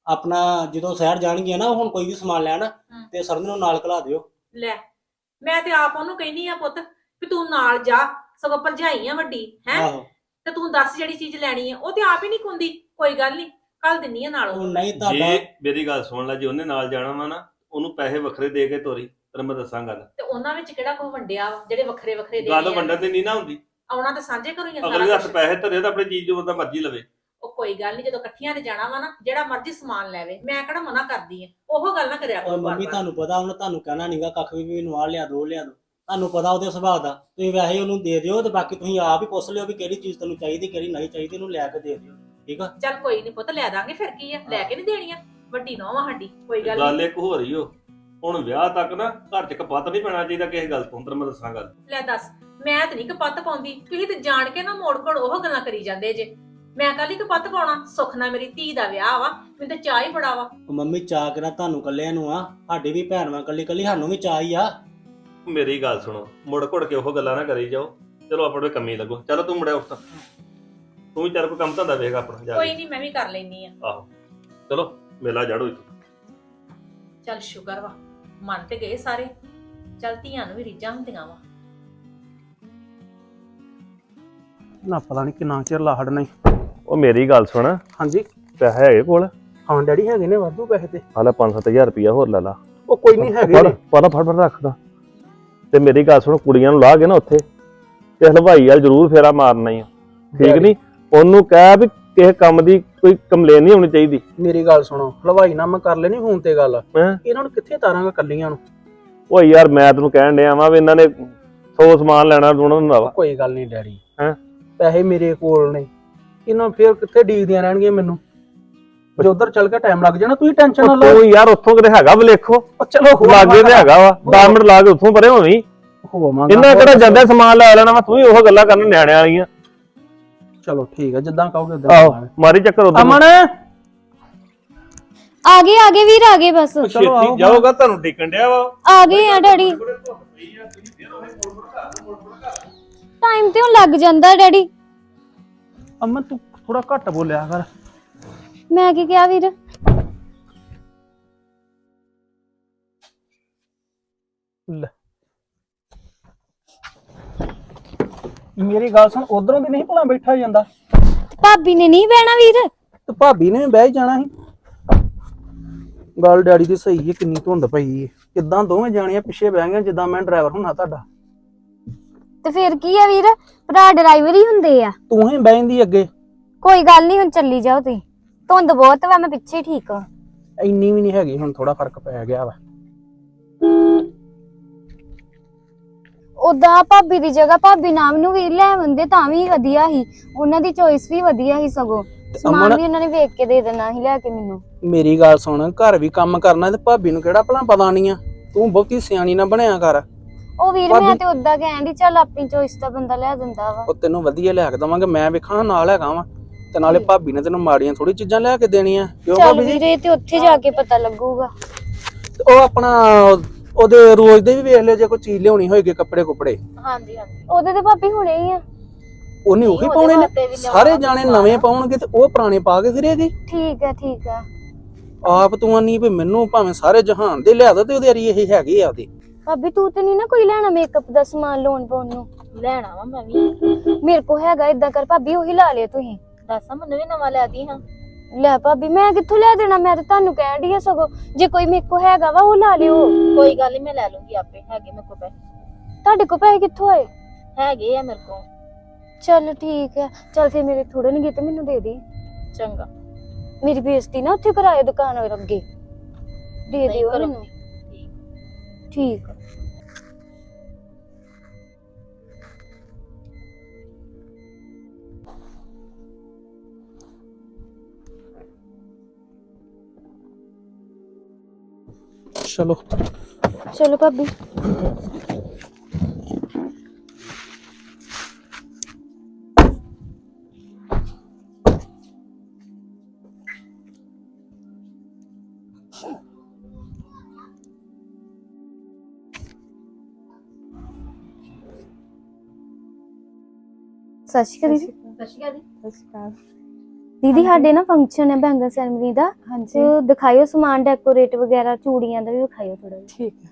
Speaker 6: ਆਪਣਾ ਜਦੋਂ ਸ਼ਹਿਰ ਜਾਣਗੀਆਂ ਨਾ ਹੁਣ ਕੋਈ ਵੀ ਸਮਾਨ ਲੈਣ ਤੇ ਸਰਨ ਨੂੰ ਨਾਲ ਘਲਾ ਦਿਓ।
Speaker 2: ਲੈ ਮੈਂ ਤੇ ਆਪ ਉਹਨੂੰ ਕਹਿੰਦੀ ਆ ਪੁੱਤ ਵੀ ਤੂੰ ਨਾਲ ਜਾ, ਸਗੋਂ ਭਰਜਾਈ ਆ ਵੱਡੀ ਹੈ,
Speaker 6: ਆਹੋ
Speaker 2: ਤੇ ਤੂੰ ਦੱਸ ਜਿਹੜੀ ਚੀਜ਼ ਲੈਣੀ ਆ। ਉਹ ਤੇ ਆਪ ਹੀ ਨਹੀਂ ਕੁੰਦੀ, ਕੋਈ ਗੱਲ ਨਹੀਂ ਕੱਲ ਦਿੰਨੀ ਆ ਨਾਲ
Speaker 6: ਉਹ
Speaker 2: ਉਹਨੂੰ।
Speaker 6: ਨਹੀਂ ਤੁਹਾਡਾ
Speaker 5: ਜੇ ਮੇਰੀ ਗੱਲ ਸੁਣ ਲੈ, ਜੇ ਉਹਨੇ ਨਾਲ ਜਾਣਾ ਵਾ ਨਾ ਉਹਨੂੰ ਪੈਸੇ ਵੱਖਰੇ ਦੇ ਕੇ ਤੋਰੀ, ਤੈਨੂੰ ਮੈਂ ਦੱਸਾਂ ਗੱਲ।
Speaker 2: ਤੇ ਉਹਨਾਂ ਵਿੱਚ ਕਿਹੜਾ ਕੋਈ ਵੰਡਿਆ ਵਾ ਜਿਹੜੇ ਵੱਖਰੇ ਵੱਖਰੇ ਦੇ
Speaker 5: ਗੱਲ ਵੰਡਣ ਤੇ ਨਹੀਂ ਨਾ ਹੁੰਦੀ।
Speaker 2: ਆਉਣਾ ਤੇ ਸਾਂਝੇ ਘਰੋਂ ਹੀ ਆ
Speaker 5: ਅਗਲੇ ਦੇ
Speaker 2: ਸਾਰਾ
Speaker 5: ਹੱਥ
Speaker 2: ਕੁਛ।
Speaker 5: ਪੈਸੇ ਧਰੇ ਤਾਂ ਆਪਣੀ ਚੀਜ਼ ਜੋ ਬੰਦਾ ਮਰਜ਼ੀ ਲਵੇ।
Speaker 2: ਉਹ ਕੋਈ ਗੱਲ ਨਹੀਂ, ਜਦੋਂ ਇਕੱਠੀਆਂ ਨੇ ਜਾਣਾ ਵਾ ਨਾ ਜਿਹੜਾ ਮਰਜ਼ੀ ਸਮਾਨ ਲੈਵੇ, ਮੈਂ ਕਿਹੜਾ ਮਨਾ ਕਰਦੀ ਆ। ਉਹ ਗੱਲ ਨਾ ਕਰਿਆ ਕਰੋ
Speaker 6: ਉਹ ਮੰਮੀ
Speaker 2: ਬਾਰ-ਬਾਰ।
Speaker 6: ਤੁਹਾਨੂੰ ਪਤਾ ਉਹਨੇ ਤੁਹਾਨੂੰ ਕਹਿਣਾ ਨਹੀਂਗਾ ਕੱਖ ਵੀ ਮੈਨੂੰ ਆਹ ਲਿਆ ਦੋ ਲਿਆ ਦੋ, ਤੁਹਾਨੂੰ ਪਤਾ ਉਹਦੇ ਸੁਭਾਅ ਦਾ। ਤੁਸੀਂ ਵੈਸੇ ਹੀ ਉਹਨੂੰ ਦੇ ਦਿਓ ਤੇ ਬਾਕੀ ਤੁਸੀਂ ਆਪ ਹੀ ਪੁੱਛ ਲਿਓ ਵੀ ਕਿਹੜੀ ਚੀਜ਼ ਤੈਨੂੰ ਚਾਹੀਦੀ ਕਿਹੜੀ ਨਹੀਂ ਚਾਹੀਦੀ, ਉਹਨੂੰ ਲੈ ਕੇ ਦੇ ਦਿਓ, ਠੀਕ ਆ।
Speaker 2: ਚੱਲ ਕੋਈ ਨਹੀਂ ਪੁੱਤ, ਲੈ ਦਾਂਗੇ, ਫਿਰ ਕੀ ਆ, ਲੈ ਕੇ ਨਹੀਂ ਦੇਣੀਆਂ, ਵੱਡੀ ਨੌਂ ਆ ਸਾਡੀ, ਕੋਈ ਗੱਲ
Speaker 5: ਗੱਲ
Speaker 2: ਨਹੀਂ।
Speaker 5: ਇੱਕ ਹੋ ਰਹੀ ਓ, ਹੁਣ ਵਿਆਹ ਤੱਕ ਨਾ ਘਰ 'ਚ ਕਪੱਤ ਨਹੀਂ ਪੈਣਾ ਚਾਹੀਦਾ ਕਿਸੇ ਗੱਲ ਤੋਂ। ਤੈਨੂੰ ਮੈਂ ਦੱਸਾਂ ਗੱਲ।
Speaker 2: ਲੈ ਦੱਸ, ਮੈਂ ਤੇ ਨਹੀਂ ਕਪੱਤ ਪਾਉਂਦੀ, ਤੁਸੀਂ ਤੇ ਜਾਣ ਕੇ ਨਾ ਮੋੜ ਕੋੜ ਉਹ ਗੱਲਾਂ ਕਰੀ ਜਾਂਦੇ ਜੇ। ਮੈਂ ਕੱਲ ਹੀ ਕਪੱਤ ਪਾਉਣਾ, ਸੁੱਖ ਨਾਲ ਮੇਰੀ ਧੀ ਦਾ ਵਿਆਹ ਵਾ, ਮੈਨੂੰ ਤਾਂ ਚਾਹ ਹੀ ਬੜਾ ਵਾ।
Speaker 6: ਉਹ ਮੰਮੀ ਚਾਅ ਕਿਹੜਾ ਤੁਹਾਨੂੰ ਕੱਲਿਆਂ ਨੂੰ ਆ, ਸਾਡੀ ਵੀ ਭੈਣ ਵਾਂ ਕੱਲੀ ਕੱਲੀ, ਸਾਨੂੰ ਵੀ ਚਾਅ ਹੀ ਆ।
Speaker 5: ਮੇਰੀ ਗੱਲ ਸੁਣੋ, ਮੁੜ ਘੁੜ ਕੇ ਉਹ ਗੱਲਾਂ ਨਾ ਕਰੀ ਜਾਓ। ਚਲੋ ਆਪਣੇ ਕੰਮੀ ਲੱਗੋ। ਚਲੋ ਤੂੰ ਮੁੜਿਆ ਉੱਠ, ਤੂੰ ਵੀ ਚੱਲ ਕੋਈ ਕੰਮ ਧੰਦਾ ਵੇਖ ਆਪਣਾ ਜਾ
Speaker 2: ਕੋਈ
Speaker 5: ਕੇ।
Speaker 2: ਨਹੀਂ, ਮੈਂ ਵੀ ਕਰ ਲੈਣੀ ਆ।
Speaker 5: ਆਹੋ ਚਲੋ ਮੇਲਾ ਜੜੋ ਇੱਥੇ।
Speaker 2: ਚੱਲ ਸ਼ੁਕਰ ਵਾ, ਮੰਨ ਤੇ ਗਏ ਸਾਰੇ। ਚੱਲ ਧੀਆਂ ਨੂੰ ਵੀ ਰੀਝਾਂ ਹੁੰਦੀਆਂ ਵਾ।
Speaker 7: ਨਾ ਪਤਾ ਨਹੀਂ ਕਿੰਨਾ ਚਿਰ ਲਾਹੜ ਨਹੀਂ।
Speaker 5: ਉਹ ਮੇਰੀ ਗੱਲ ਸੁਣ,
Speaker 7: ਹਾਂਜੀ
Speaker 5: ਪੈਸੇ ਹੈਗੇ ਕੋਲ?
Speaker 7: ਹਾਂ ਡੈਡੀ ਹੈਗੇ ਨੇ ਵਾਧੂ ਪੈਸੇ ਤੇ।
Speaker 5: ਹਾਲੇ 5-7000 ਰੁਪਇਆ ਹੋਰ ਲੈ ਲਾ।
Speaker 7: ਉਹ ਕੋਈ ਨਹੀਂ ਹੈਗੇ ਨੇ।
Speaker 5: ਫੜ ਰੱਖਦਾ। ਤੇ ਮੇਰੀ ਗੱਲ ਸੁਣ, ਕੁੜੀਆਂ ਨੂੰ ਲਾ ਕੇ ਨਾ ਉੱਥੇ ਤੇ ਹਲਵਾਈ ਵਾਲ ਜ਼ਰੂਰ ਫੇਰਾ ਮਾਰਨਾ ਹੀ ਆ, ਠੀਕ ਨਹੀਂ? ਉਹਨੂੰ ਕਹਿ ਵੀ ਕਿਸੇ ਕੰਮ ਦੀ ਕੋਈ ਕੰਪਲੇਨ ਨਹੀਂ ਹੋਣੀ ਚਾਹੀਦੀ।
Speaker 7: ਮੇਰੀ ਗੱਲ ਸੁਣੋ, ਹਲਵਾਈ ਨਾਲ ਮੈਂ ਕਰ ਲੈਣੀ ਫੋਨ ਤੇ ਗੱਲ।
Speaker 5: ਹੈਂ?
Speaker 7: ਇਹਨਾਂ ਨੂੰ ਕਿੱਥੇ ਤਾਰਾਂਗਾ ਕੱਲੀਆਂ ਨੂੰ।
Speaker 5: ਓ ਯਾਰ ਮੈਂ ਤੈਨੂੰ ਕਹਿਣ ਡਿਆ ਵਾਂ ਵੀ ਇਹਨਾਂ ਨੇ 100 ਸਮਾਨ ਲੈਣਾ ਉਹਨਾਂ ਦਾ ਵਾ।
Speaker 7: ਕੋਈ ਗੱਲ ਨਹੀਂ ਡੈਡੀ,
Speaker 5: ਹੈਂ?
Speaker 7: ਪੈਸੇ ਮੇਰੇ ਕੋਲ ਨੇ, ਇਹਨਾਂ ਫੇਰ ਕਿੱਥੇ ਡੀਕਦੀਆਂ ਰਹਿਣਗੀਆਂ ਮੈਨੂੰ। ਜੇ ਉਧਰ ਚੱਲ ਕੇ ਟਾਈਮ ਲੱਗ ਜਾਣਾ, ਤੁਸੀਂ ਟੈਨਸ਼ਨ ਨਾ ਲਓ।
Speaker 5: ਤੂੰ ਯਾਰ ਉੱਥੋਂ ਕਿਤੇ ਹੈਗਾ ਬਲੇਖੋ?
Speaker 7: ਉਹ ਚਲੋ
Speaker 5: ਲਾਗੇ ਤੇ ਹੈਗਾ ਵਾ, 10 ਮਿੰਟ ਲਾ ਕੇ ਉੱਥੋਂ ਪਰੇ ਹੋਵੀਂ।
Speaker 7: ਹੋਵਾਂਗਾ।
Speaker 5: ਇਹਨਾਂ ਕਿਹੜਾ ਜਾਂਦਾ ਸਮਾਨ ਲੈ ਲੈਣਾ ਵਾ, ਤੂੰ ਵੀ ਉਹ ਗੱਲਾਂ ਕਰਨ ਨਿਆਣਿਆਂ ਵਾਲੀਆਂ।
Speaker 7: ਚਲੋ ਠੀਕ ਹੈ, ਜਿੱਦਾਂ ਕਹੋਗੇ ਉਦਾਂ
Speaker 5: ਆਹੋ
Speaker 7: ਕਰਾਂਗੇ।
Speaker 5: ਮਾਰੀ ਚੱਕਰ ਉਧਰ।
Speaker 7: ਅਮਨ
Speaker 1: ਆ ਗਏ ਵੀਰ, ਆ ਗਏ ਬਸ।
Speaker 5: ਛੇਤੀ ਜਾਓਗਾ, ਤੁਹਾਨੂੰ ਟਿਕਣ ਡਿਆ ਵਾ।
Speaker 1: ਆ ਗਏ ਆ ਡੈਡੀ। ਟਾਈਮ ਤੇ ਹੁਣ ਲੱਗ ਜਾਂਦਾ ਡੈਡੀ।
Speaker 7: ਅਮਨ ਤੂੰ ਥੋੜਾ ਘੱਟ ਬੋਲਿਆ ਕਰ।
Speaker 1: ਮੈਂ ਕੀ ਕਿਹਾ ਵੀਰ?
Speaker 7: ਲੈ ਮੇਰੀ ਗੱਲ ਸੁਣ, ਉਧਰੋਂ ਦੀ ਨਹੀਂ ਭਲਾ ਬੈਠਾ ਜਾਂਦਾ
Speaker 1: ਭਾਬੀ ਨੇ ਨਹੀਂ ਬਹਿਣਾ ਵੀਰ?
Speaker 7: ਤੇ ਭਾਬੀ ਨੇ ਵੀ ਬਹਿ ਹੀ ਜਾਣਾ ਸੀ। ਗੱਲ ਡੈਡੀ ਦੀ ਸਹੀ ਹੈ, ਕਿੰਨੀ ਧੁੰਦ ਪਈ ਹੈ। ਕਿੱਦਾਂ ਦੋਵੇਂ ਜਾਣੀਆਂ ਪਿੱਛੇ ਬਹਿ ਗਈਆਂ ਜਿੱਦਾਂ ਮੈਂ ਡਰਾਈਵਰ ਹੁੰਨਾ ਤੁਹਾਡਾ।
Speaker 1: ਤੇ ਫਿਰ ਕੀ ਆ ਵੀਰ, ਭਰਾ ਡਰਾਈਵਰ ਹੀ ਹੁੰਦੇ ਆ।
Speaker 7: ਤੂੰ ਹੀ ਬਹਿੰਦੀ ਅੱਗੇ।
Speaker 1: ਕੋਈ ਗੱਲ ਨਹੀਂ, ਹੁਣ ਚੱਲੀ ਜਾਓ ਤੁਸੀਂ। ਧੁੰਦ ਬਹੁਤ ਵਾ, ਮੈਂ ਪਿੱਛੇ ਠੀਕ ਆ।
Speaker 7: ਇੰਨੀ ਵੀ ਨਹੀਂ ਹੈਗੀ, ਹੁਣ ਥੋੜਾ ਫਰਕ ਪੈ ਗਿਆ ਵਾ।
Speaker 1: ਉਦਾਂ ਭਾਬੀ ਦੀ ਜਗ੍ਹਾ ਭਾਬੀ ਨਾਮ ਨੂੰ ਵੀਰ ਲੈ ਆਉਂਦੇ ਤਾਂ ਵੀ ਵਧੀਆ ਸੀ, ਉਹਨਾਂ ਦੀ ਚੋਇਸ ਵੀ ਵਧੀਆ ਸੀ। ਸਗੋਂ ਸਮਾਨ ਵੀ ਉਹਨਾਂ ਨੇ ਵੇਖ ਕੇ ਦੇ ਦੇਣਾ ਸੀ ਲੈ ਕੇ ਮੈਨੂੰ।
Speaker 7: ਮੇਰੀ ਗੱਲ ਸੁਣ, ਘਰ ਵੀ ਕੰਮ ਕਰਨਾ ਤੇ ਭਾਬੀ ਨੂੰ ਕਿਹੜਾ ਭਲਾ ਪਤਾ ਨਹੀਂ ਆ। ਤੂੰ ਬਹੁਤੀ ਸਿਆਣੀ ਨਾ ਬਣਿਆ ਕਰ।
Speaker 1: ਉਹ ਵੀਰ ਮੈਂ ਤੇ ਉਦਾਂ ਕਹਿੰਦੀ, ਚੱਲ ਆਪਣੀ ਚੋਇਸ ਦਾ ਬੰਦਾ ਲੈ ਦਿੰਦਾ ਵਾ।
Speaker 7: ਉਹ ਤੈਨੂੰ ਵਧੀਆ ਲਿਆ ਕੇ ਦਵਾਂਗੇ, ਮੈਂ ਵੇਖਾਂ ਨਾਲ ਹੈਗਾ ਵਾ। ਤੇ ਨਾਲੇ ਭਾਬੀ ਨੇ ਤੈਨੂੰ ਮਾੜੀਆਂ ਥੋੜੀ ਚੀਜ਼ਾਂ ਲਿਆ ਕੇ ਦੇਣੀਆਂ। ਕਿਉਂ
Speaker 1: ਚੱਲ
Speaker 7: ਭਾਬੀ ਜੀ?
Speaker 1: ਵੀਰੇ, ਤੇ ਉੱਥੇ ਜਾ ਕੇ ਪਤਾ ਲੱਗੂਗਾ।
Speaker 7: ਉਹ ਆਪਣਾ ਉਹਦੇ ਰੋਜ਼ ਦੇ ਵੀ ਵੇਖ ਲਿਓ, ਜੇ ਕੋਈ ਚੀਜ਼ ਲਿਆਉਣੀ ਹੋਏਗੀ, ਕੱਪੜੇ ਕੁਪੜੇ
Speaker 1: ਹਾਂਜੀ ਉਹਦੇ ਤੇ ਭਾਬੀ ਹੁਣੇ ਹੀ ਆ।
Speaker 7: ਉਹਨੇ ਉਹੀ ਪਾਉਣੇ ਨੇ। ਸਾਰੇ ਜਾਣੇ ਨਵੇਂ ਪਾਉਣਗੇ ਤੇ ਉਹ ਪੁਰਾਣੇ ਪਾ ਕੇ ਫਿਰੇਗੀ।
Speaker 1: ਠੀਕ ਆ ਠੀਕ ਆ।
Speaker 7: ਆਪ ਤੂੰ ਆਨੀ ਵੀ ਮੈਨੂੰ ਭਾਵੇਂ ਸਾਰੇ ਜਹਾਨ ਦੇ ਲਿਆ ਦੋ ਤੇ ਉਹਦੇ ਅਰੀ ਇਹ ਹੈਗੇ ਆ ਉਹਦੇ।
Speaker 1: ਭਾਬੀ ਤੂੰ ਤੇ ਨਹੀਂ ਨਾ ਕੋਈ ਲੈਣਾ ਮੇਕਅਪ ਦਾ ਸਮਾਨ ਲੋਨ ਪਾਉਣ ਨੂੰ?
Speaker 8: ਲੈਣਾ ਵਾ ਮੈਂ ਵੀ।
Speaker 1: ਮੇਰੇ ਕੋ ਹੈਗਾ, ਇਦਾਂ ਕਰ ਭਾਬੀ ਉਹੀ ਲਾ ਲਿਓ ਤੁਸੀਂ।
Speaker 8: ਦੱਸਾਂ ਮੈਨੂੰ ਵੀ ਨਵਾਂ ਲੈ ਦੀ ਹਾਂ।
Speaker 1: ਲੈ ਭਾਬੀ ਮੈਂ ਕਿੱਥੋਂ ਲੈ ਦੇਣਾ, ਮੈਂ ਤਾਂ ਤੁਹਾਨੂੰ ਕਹਿਣ ਡਈ ਆ। ਸਗੋਂ ਜੇ ਕੋਈ ਮੇਰੇ ਕੋ ਹੈਗਾ ਵਾ ਉਹ ਲਾ ਲਿਓ।
Speaker 8: ਕੋਈ ਗੱਲ ਨਹੀਂ, ਮੈਂ ਲੈ ਲੂੰਗੀ ਆਪੇ, ਹੈਗੇ ਮੇਰੇ ਕੋਲ ਪੈਸੇ।
Speaker 1: ਤੁਹਾਡੇ ਕੋ ਪੈਸੇ ਕਿੱਥੋਂ ਆਏ?
Speaker 8: ਹੈਗੇ ਆ ਮੇਰੇ ਕੋਲ।
Speaker 1: ਚੱਲ ਠੀਕ ਹੈ, ਚੱਲ ਫਿਰ ਮੇਰੇ ਥੋੜੇ ਨਹੀਂ ਤੇ ਮੈਨੂੰ ਦੇ ਦੇ।
Speaker 8: ਚੰਗਾ,
Speaker 1: ਮੇਰੀ ਬੇਇੱਜ਼ਤੀ ਨਾ ਉੱਥੇ ਕਰਾਏ ਦੁਕਾਨ ਹੋਰ ਅੱਗੇ। ਦੇ ਦਿਓ
Speaker 8: ਕਰੋ।
Speaker 1: ਮੈਨੂੰ। ਠੀਕ ਆ।
Speaker 7: ਚਲੋ
Speaker 1: ਚਲੋ ਭਾਬੀ। ਸਤਿ ਸ਼੍ਰੀ ਅਕਾਲ ਜੀ।
Speaker 8: ਸਤਿ ਸ਼੍ਰੀ ਅਕਾਲ ਜੀ।
Speaker 1: ਦੀਦੀ ਸਾਡੇ ਨਾ ਫੰਕਸ਼ਨ ਹੈ ਬੈਂਗਲ ਸੈਰਮਨੀ ਦਾ,
Speaker 4: ਹਾਂਜੀ
Speaker 1: ਤੇ ਉਹ ਦਿਖਾਇਓ ਸਮਾਨ ਡੈਕੋਰੇਟ ਵਗੈਰਾ, ਚੂੜੀਆਂ ਦਾ ਵੀ ਵਿਖਾਇਓ ਥੋੜਾ ਜਿਹਾ।
Speaker 4: ਠੀਕ ਹੈ।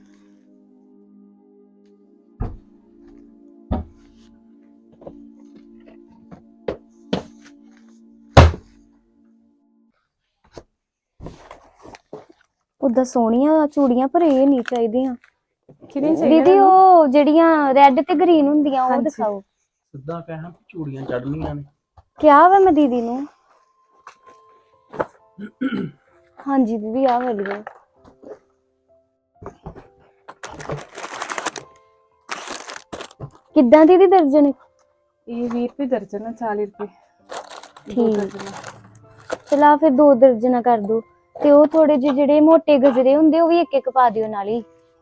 Speaker 1: ਉਦਾਂ ਸੋਹਣੀਆਂ ਚੂੜੀਆਂ ਪਰ ਇਹ ਨਹੀਂ ਚਾਹੀਦੀਆਂ
Speaker 4: ਕਿਹੜੀ
Speaker 1: ਦੀਦੀ, ਉਹ ਜਿਹੜੀਆਂ ਰੈੱਡ ਤੇ ਗ੍ਰੀਨ ਹੁੰਦੀਆਂ ਉਹ
Speaker 4: ਹਾਂਜੀ।
Speaker 1: ਦਿਖਾਓ।
Speaker 7: ਸਿੱਧਾ ਕਹਿਣਾ ਚੂੜੀਆਂ ਚੜਨੀਆਂ ਨੇ।
Speaker 1: ਕਿਹਾ ਵਾ ਮੈਂ ਦੀਦੀ ਨੂੰ। ਹਾਂਜੀ ਦੀਦੀ ਆ ਵਾਲੀਆਂ। ਕਿੱਦਾਂ ਦੀਦੀ ਦਰਜਨ?
Speaker 4: ਇਹ 20 ਰੁਪਏ ਦਰਜਨ ਹੈ, 40 ਰੁਪਏ।
Speaker 1: ਠੀਕ, ਚਲਾ ਫਿਰ 2 ਦਰਜਨਾਂ ਕਰ ਦੋ, ਤੇ ਉਹ ਥੋੜੇ ਜਿਹੇ ਜਿਹੜੇ ਮੋਟੇ ਗਜਰੇ ਹੁੰਦੇ ਉਹ ਵੀ ਇੱਕ ਇੱਕ ਪਾ ਦਿਓ ਨਾਲ ਹੀ।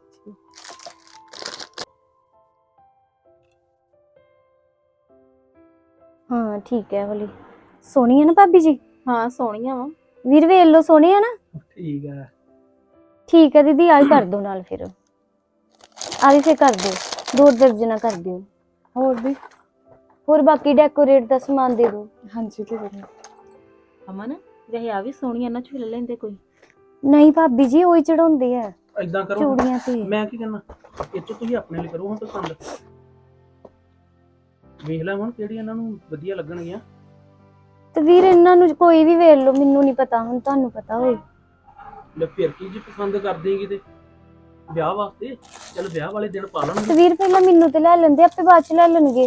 Speaker 1: ਹਾਂ ਠੀਕ ਹੈ ਵਾਲੀ ਸੋਹਣੀ ਹੈ ਨਾ ਭਾਬੀ ਜੀ?
Speaker 8: ਹਾਂ ਸੋਹਣੀਆਂ ਵਾ।
Speaker 1: ਵੀਰ ਵੇਖ ਲਓ ਸੋਹਣੇ ਆ ਨਾ?
Speaker 7: ਠੀਕ ਹੈ।
Speaker 1: ਠੀਕ ਹੈ ਦੀਦੀ, ਆਹ ਕਰ ਦੋ ਨਾਲ ਫਿਰ, ਆਹ ਵੀ ਫਿਰ ਕਰ ਦਿਓ 2 ਦਰਜਨਾਂ ਕਰ ਦਿਓ।
Speaker 4: ਹੋਰ ਵੀ?
Speaker 1: ਹੋਰ ਬਾਕੀ ਡੈਕੋਰੇਟ ਦਾ ਸਮਾਨ ਦੇ ਦਿਓ।
Speaker 4: ਹਾਂਜੀ ਦੇ ਦਿੰਦੇ।
Speaker 8: ਅਮਨ ਵੈਸੇ ਆ ਵੀ ਸੋਹਣੀਆਂ ਨਾ ਝੂਲੇ ਲੈਂਦੇ ਕੋਈ।
Speaker 1: ਨਹੀਂ ਭਾਬੀ ਜੀ, ਉਹੀ ਚੜਾਉਂਦੇ ਆ
Speaker 7: ਏਦਾਂ ਕਰੋ,
Speaker 1: ਚੂੜੀਆਂ ਤੇ।
Speaker 7: ਮੈਂ ਕੀ ਕਹਿੰਦਾ, ਇਹ 'ਚੋਂ ਤੁਸੀਂ ਆਪਣੇ ਲਈ ਕਰੋ ਹਾਂ ਪਸੰਦ। ਵੇਖ ਲੈ ਹੁਣ ਕਿਹੜੀ ਇਹਨਾਂ ਨੂੰ ਵਧੀਆ ਲੱਗਣਗੀਆਂ।
Speaker 1: ਤੇ ਵੀਰ ਇਹਨਾਂ ਨੂੰ ਕੋਈ ਵੀ ਵੇਖ ਲਓ, ਮੈਨੂੰ ਨਹੀਂ ਪਤਾ, ਹੁਣ ਤੁਹਾਨੂੰ ਪਤਾ ਹੋਏ।
Speaker 7: ਲੈ ਫਿਰ ਕੀ ਜੀ ਪਸੰਦ ਕਰ ਦੇਗੀ ਤੇ ਵਿਆਹ ਵਾਸਤੇ, ਚਲ ਵਿਆਹ ਵਾਲੇ ਦਿਨ ਪਾ
Speaker 1: ਤੇ
Speaker 7: ਲਾਂਗੇ।
Speaker 1: ਵੀਰ ਪਹਿਲਾਂ ਮੈਨੂੰ ਤੇ ਲੈ ਲੈਂਦੇ, ਆਪੇ ਬਾਅਦ ਚ ਲੈ ਲੈਣਗੇ।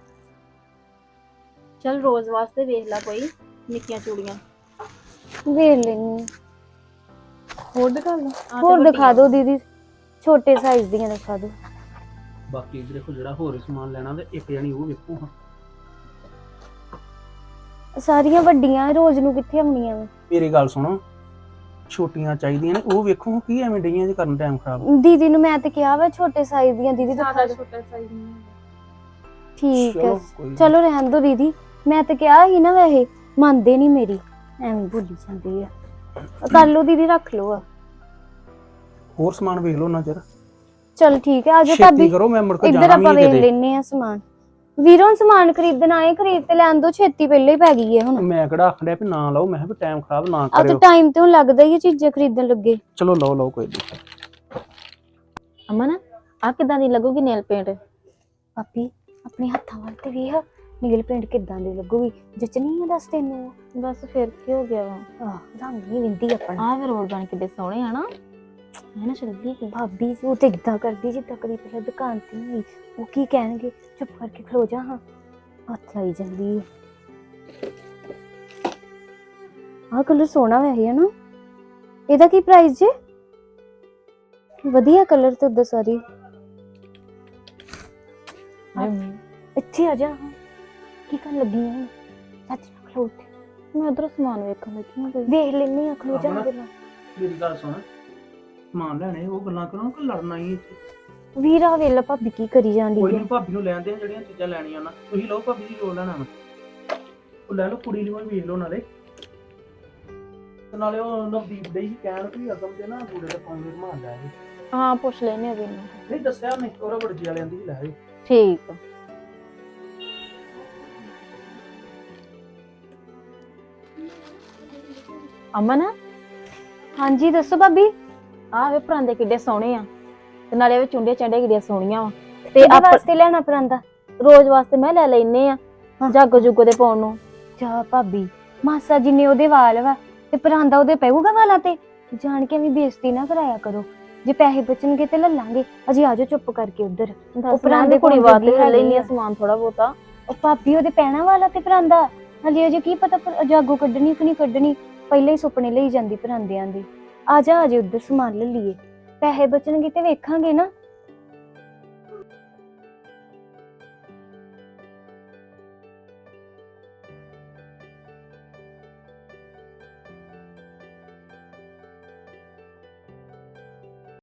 Speaker 8: ਚਲ ਰੋਜ਼ ਵਾਸਤੇ ਵੇਖ ਲੈ ਕੋਈ ਨਿੱਕੀਆਂ ਚੂੜੀਆਂ।
Speaker 1: ਵੇਖ ਲੈਣੀ।
Speaker 4: ਹੋਰ ਦਿਖਾ ਲਓ।
Speaker 1: ਹੋਰ ਦਿਖਾ ਦਿਓ ਦੀਦੀ, ਛੋਟੇ ਸਾਈਜ਼ ਦੀਆਂ ਦਿਖਾ ਦਿਓ।
Speaker 7: ਬਾਕੀ ਦੇਖੋ ਜਿਹੜਾ ਹੋਰ ਸਮਾਨ ਲੈਣਾ ਤੇ ਇੱਕ ਜਣੀ ਉਹ ਵੇਖੋ ਹਾਂ।
Speaker 1: ਸਾਰੀਆਂ ਵੱਡੀਆਂ ਰੋਜ਼ ਨੂੰ ਕਿੱਥੇ ਆਉਣੀਆਂ ਵਾ?
Speaker 7: ਮੇਰੀ ਗੱਲ ਸੁਣੋ, ਛੋਟੀਆਂ ਚਾਹੀਦੀਆਂ ਨੇ, ਉਹ ਵੇਖੋ ਕੀ ਐਵੇਂ ਡਈਆਂ ਜੇ ਕਰਨ ਟਾਈਮ ਖਰਾਬ।
Speaker 1: ਦੀਦੀ ਨੂੰ ਮੈਂ ਤੇ ਕਿਹਾ ਵਾ ਛੋਟੇ ਸਾਈਜ਼ ਦੀਆਂ ਦੀਦੀ ਦਿਖਾ
Speaker 4: ਜ਼ਿਆਦਾ
Speaker 1: ਦਿਓ।
Speaker 4: ਛੋਟਾ ਸਾਈਜ਼ ਨਹੀਂ ਹੈ।
Speaker 1: ਠੀਕ ਹੈ,
Speaker 7: ਚਲੋ ਕੋਈ ਨੀ।
Speaker 1: ਚਲੋ ਰਹਿਣ ਦਿਓ ਦੀਦੀ, ਮੈਂ ਤੇ ਕਿਹਾ ਸੀ ਨਾ, ਵੈਸੇ ਮੰਨਦੇ ਨਹੀਂ ਮੇਰੀ, ਐਵੇਂ ਭੁੱਲੀ ਜਾਂਦੀ ਆ। ਕਰ ਲਓ ਦੀਦੀ, ਰੱਖ ਲਓ ਆ।
Speaker 7: ਹੋਰ ਸਮਾਨ ਵੇਖ ਲਓ ਨਾ ਚਿਰ।
Speaker 1: ਚਲ ਠੀਕ ਹੈ, ਆਜੋ
Speaker 7: ਛੇਤੀ
Speaker 1: ਭਾਬੀ
Speaker 7: ਕਰੋ, ਮੈਂ ਮੁੜ ਕੇ
Speaker 1: ਇੱਧਰ
Speaker 7: ਜਾਣਾ
Speaker 1: ਆਪਾਂ
Speaker 7: ਵੀ
Speaker 1: ਵੇਖ
Speaker 7: ਕਿਤੇ।
Speaker 1: ਲੈਨੇ ਆ ਸਮਾਨ। ਵੀਰੋਂ ਸਮਾਨ ਖਰੀਦਣਾ ਹੈ, ਖਰੀਦ ਤੇ ਲੈਣ ਦੋ, ਛੇਤੀ ਪਹਿਲੇ ਹੀ ਪੈ ਗਈ ਹੈ ਹੁਣ।
Speaker 7: ਮੈਂ ਕਿਹੜਾ ਆਖਣ ਡਿਆ ਵੀ ਨਾ ਲਓ, ਮੈਂ ਕਿਹਾ ਵੀ ਟਾਈਮ ਖਰਾਬ ਨਾ
Speaker 1: ਆ ਤਾਂ
Speaker 7: ਕਰਿਓ।
Speaker 1: ਟਾਈਮ ਤੇ ਹੁਣ ਲੱਗਦਾ ਹੀ ਹੈ ਚੀਜ਼ਾਂ ਖਰੀਦਣ ਲੱਗੇ।
Speaker 7: ਚਲੋ ਲਓ ਲਓ ਕੋਈ ਨਹੀਂ।
Speaker 8: ਅਮਨ ਆ ਕਿਦਾਂ ਦੀ ਲੱਗੂਗੀ ਨੇਲ ਪੇਂਟ?
Speaker 1: ਭਾਬੀ ਆਪਣੇ ਹੱਥਾਂ ਵੱਲ ਤੇ ਵੇਖ, ਨੀਲ ਪੇਂਟ ਕਿੱਦਾਂ ਦੀ ਲੱਗੂਗੀ, ਜਚਨੀ ਆ ਦੱਸ ਤੈਨੂੰ?
Speaker 8: ਬਸ ਫਿਰ ਕੀ ਹੋ ਗਿਆ ਵਾ?
Speaker 1: ਆਹ ਰੰਗ ਨਹੀਂ ਵਿੰਦੀ ਆਪਣਾ।
Speaker 8: ਆਹ ਵੀ ਰੋਲ ਬਣ ਕਿੱਡੇ ਸੋਹਣੇ ਆ ਨਾ, ਹੈ ਨਾ ਚੱਲਦੀ ਕਿ
Speaker 1: ਭਾਬੀ ਜੀ ਉਹ ਤੇ ਇਦਾਂ ਕਰਦੀ ਜਿੱਦਾਂ ਕਦੀ ਪਹਿਲਾਂ ਦੁਕਾਨ ਤੇ ਨਹੀਂ, ਉਹ ਕੀ ਕਹਿਣਗੇ, ਚੁੱਪ ਕਰਕੇ ਖਲੋ ਜਾ, ਹਾਂ ਹੱਥ ਲਾਈ ਜਾਂਦੀ ਹੈ। ਆਹ ਕਲਰ ਸੋਹਣਾ ਵੈਸੇ ਹੈ ਨਾ, ਇਹਦਾ ਕੀ ਪ੍ਰਾਈਸ ਜੇ? ਵਧੀਆ ਕਲਰ ਤੇ ਉਦਾਂ ਸਾਰੀ। ਇੱਥੇ ਆ ਜਾ, ਹਾਂ ਕੀ ਕਰਨ ਲੱਗੀ ਹੈ? ਸੱਚ ਖਲੋ ਉੱਥੇ,
Speaker 8: ਮੈਂ ਉਧਰ ਸਮਾਨ ਵੇਖਣ ਲੱਗੀ ਹਾਂ ਕੋਈ।
Speaker 1: ਵੇਖ ਲੈਣੀ ਆ, ਖਲੋ ਜਾ ਮੇਰੇ ਨਾਲ।
Speaker 7: ਮੇਰੀ ਗੱਲ ਸੁਣ, ਸਮਾਨ ਲੈਣੇ ਉਹ ਗੱਲਾਂ ਕਰੋ ਕਿ ਲੜਨਾ ਹੀ ਇੱਥੇ।
Speaker 1: ਵੀਰਾ ਵੇਲਾ ਭਾਬੀ ਕੀ ਕਰੀ ਜਾਂਦੀ
Speaker 7: ਕੋਈ
Speaker 1: ਹੈ?
Speaker 7: ਨਹੀਂ, ਭਾਬੀ ਨੂੰ ਲੈਣ ਦੇ ਜਿਹੜੀਆਂ ਚੀਜ਼ਾਂ ਲੈਣੀਆਂ ਨਾ, ਤੁਸੀਂ ਲਓ ਭਾਬੀ ਜੀ ਜੋ ਲੈਣਾ ਵਾ। ਉਹ ਲੈ ਲਓ, ਕੁੜੀ ਨੂੰ ਵੀ ਵੇਖ ਲਓ ਨਾਲੇ। ਤੇ ਨਾਲੇ ਉਹ ਨਵਦੀਪ ਦੇ ਹੀ ਕਹਿਣ ਵੀ ਅਗਮ ਦੇ ਨਾ ਬੂੜੇ ਤੇ ਪਾਉਂਦੇ ਰਮਾਨ ਲੈ ਆਏ।
Speaker 8: ਹਾਂ ਪੁੱਛ ਲੈਨੇ ਆ ਵੀ ਇਹਨੂੰ।
Speaker 7: ਨਹੀਂ ਦੱਸਿਆ ਉਹਨੇ, ਉਹ ਰਬੜ ਜੀ ਵਾਲਿਆਂ ਦੀ ਵੀ ਲੈ ਆਏ।
Speaker 8: ਠੀਕ ਆ। ਅਮਨ
Speaker 1: ਹਾਂਜੀ ਦੱਸੋ ਭਾਬੀ।
Speaker 8: ਆਹ ਵੇ ਪਰਾਂਦੇ ਕਿੱਡੇ ਸੋਹਣੇ ਆ, ਤੇ ਨਾਲੇ ਵੇ ਚੁੰਡੇ ਚੰਡੇ ਕਿੱਡੀਆਂ ਸੋਹਣੀਆਂ ਵਾ।
Speaker 1: ਤੇ ਆਪ ਵਾਸਤੇ ਲੈਣਾ ਪਰਾਂਦਾ?
Speaker 8: ਰੋਜ਼ ਵਾਸਤੇ ਮੈਂ ਲੈ ਲੈਨੇ ਆ, ਜਾਗੋ ਜੁਗੋ ਦੇ ਪਾਉਣ ਨੂੰ।
Speaker 1: ਜਾ ਭਾਬੀ, ਮਾਸਾ ਜਿੰਨੇ ਉਹਦੇ ਵਾਲ ਵਾ ਤੇ ਪਰਾਂਦਾ ਉਹਦੇ ਪਊਗਾ ਵਾਲਾਂ ਤੇ? ਜਾਣ ਕੇ ਵੀ ਬੇਇੱਜ਼ਤੀ ਨਾ ਕਰਾਇਆ ਕਰੋ, ਜੇ ਪੈਸੇ ਬਚਣਗੇ ਤੇ ਲੈ ਲਾਂਗੇ। ਅਜੇ ਆਜੋ ਚੁੱਪ ਕਰਕੇ ਉੱਧਰ।
Speaker 8: ਉਹ ਪਰਾਂਦੇ ਕੁੜੀ ਵਾਸਤੇ ਲੈ ਲੈਨੀ ਆ ਸਮਾਨ ਥੋੜਾ ਬਹੁਤਾ।
Speaker 1: ਉਹ ਭਾਬੀ ਉਹਦੇ ਪੈਣਾ ਵਾਲਾ ਤੇ ਪਰਾਂਦਾ ਹਲੇ ਅਜੇ ਕੀ ਪਤਾ ਜਾਗੋ ਕੱਢਣੀ ਕਿ ਨਹੀਂ ਕੱਢਣੀ, ਪਹਿਲਾਂ ਹੀ ਸੁਪਨੇ ਲਈ ਜਾਂਦੀ ਪਰਾਂਦਿਆਂ ਦੇ। ਆ ਜਾ ਅਜੇ ਉੱਧਰ ਸਮਾਨ ਲੈ ਲਈਏ, ਪੈਸੇ ਬਚਣਗੇ ਤੇ ਵੇਖਾਂਗੇ ਨਾ।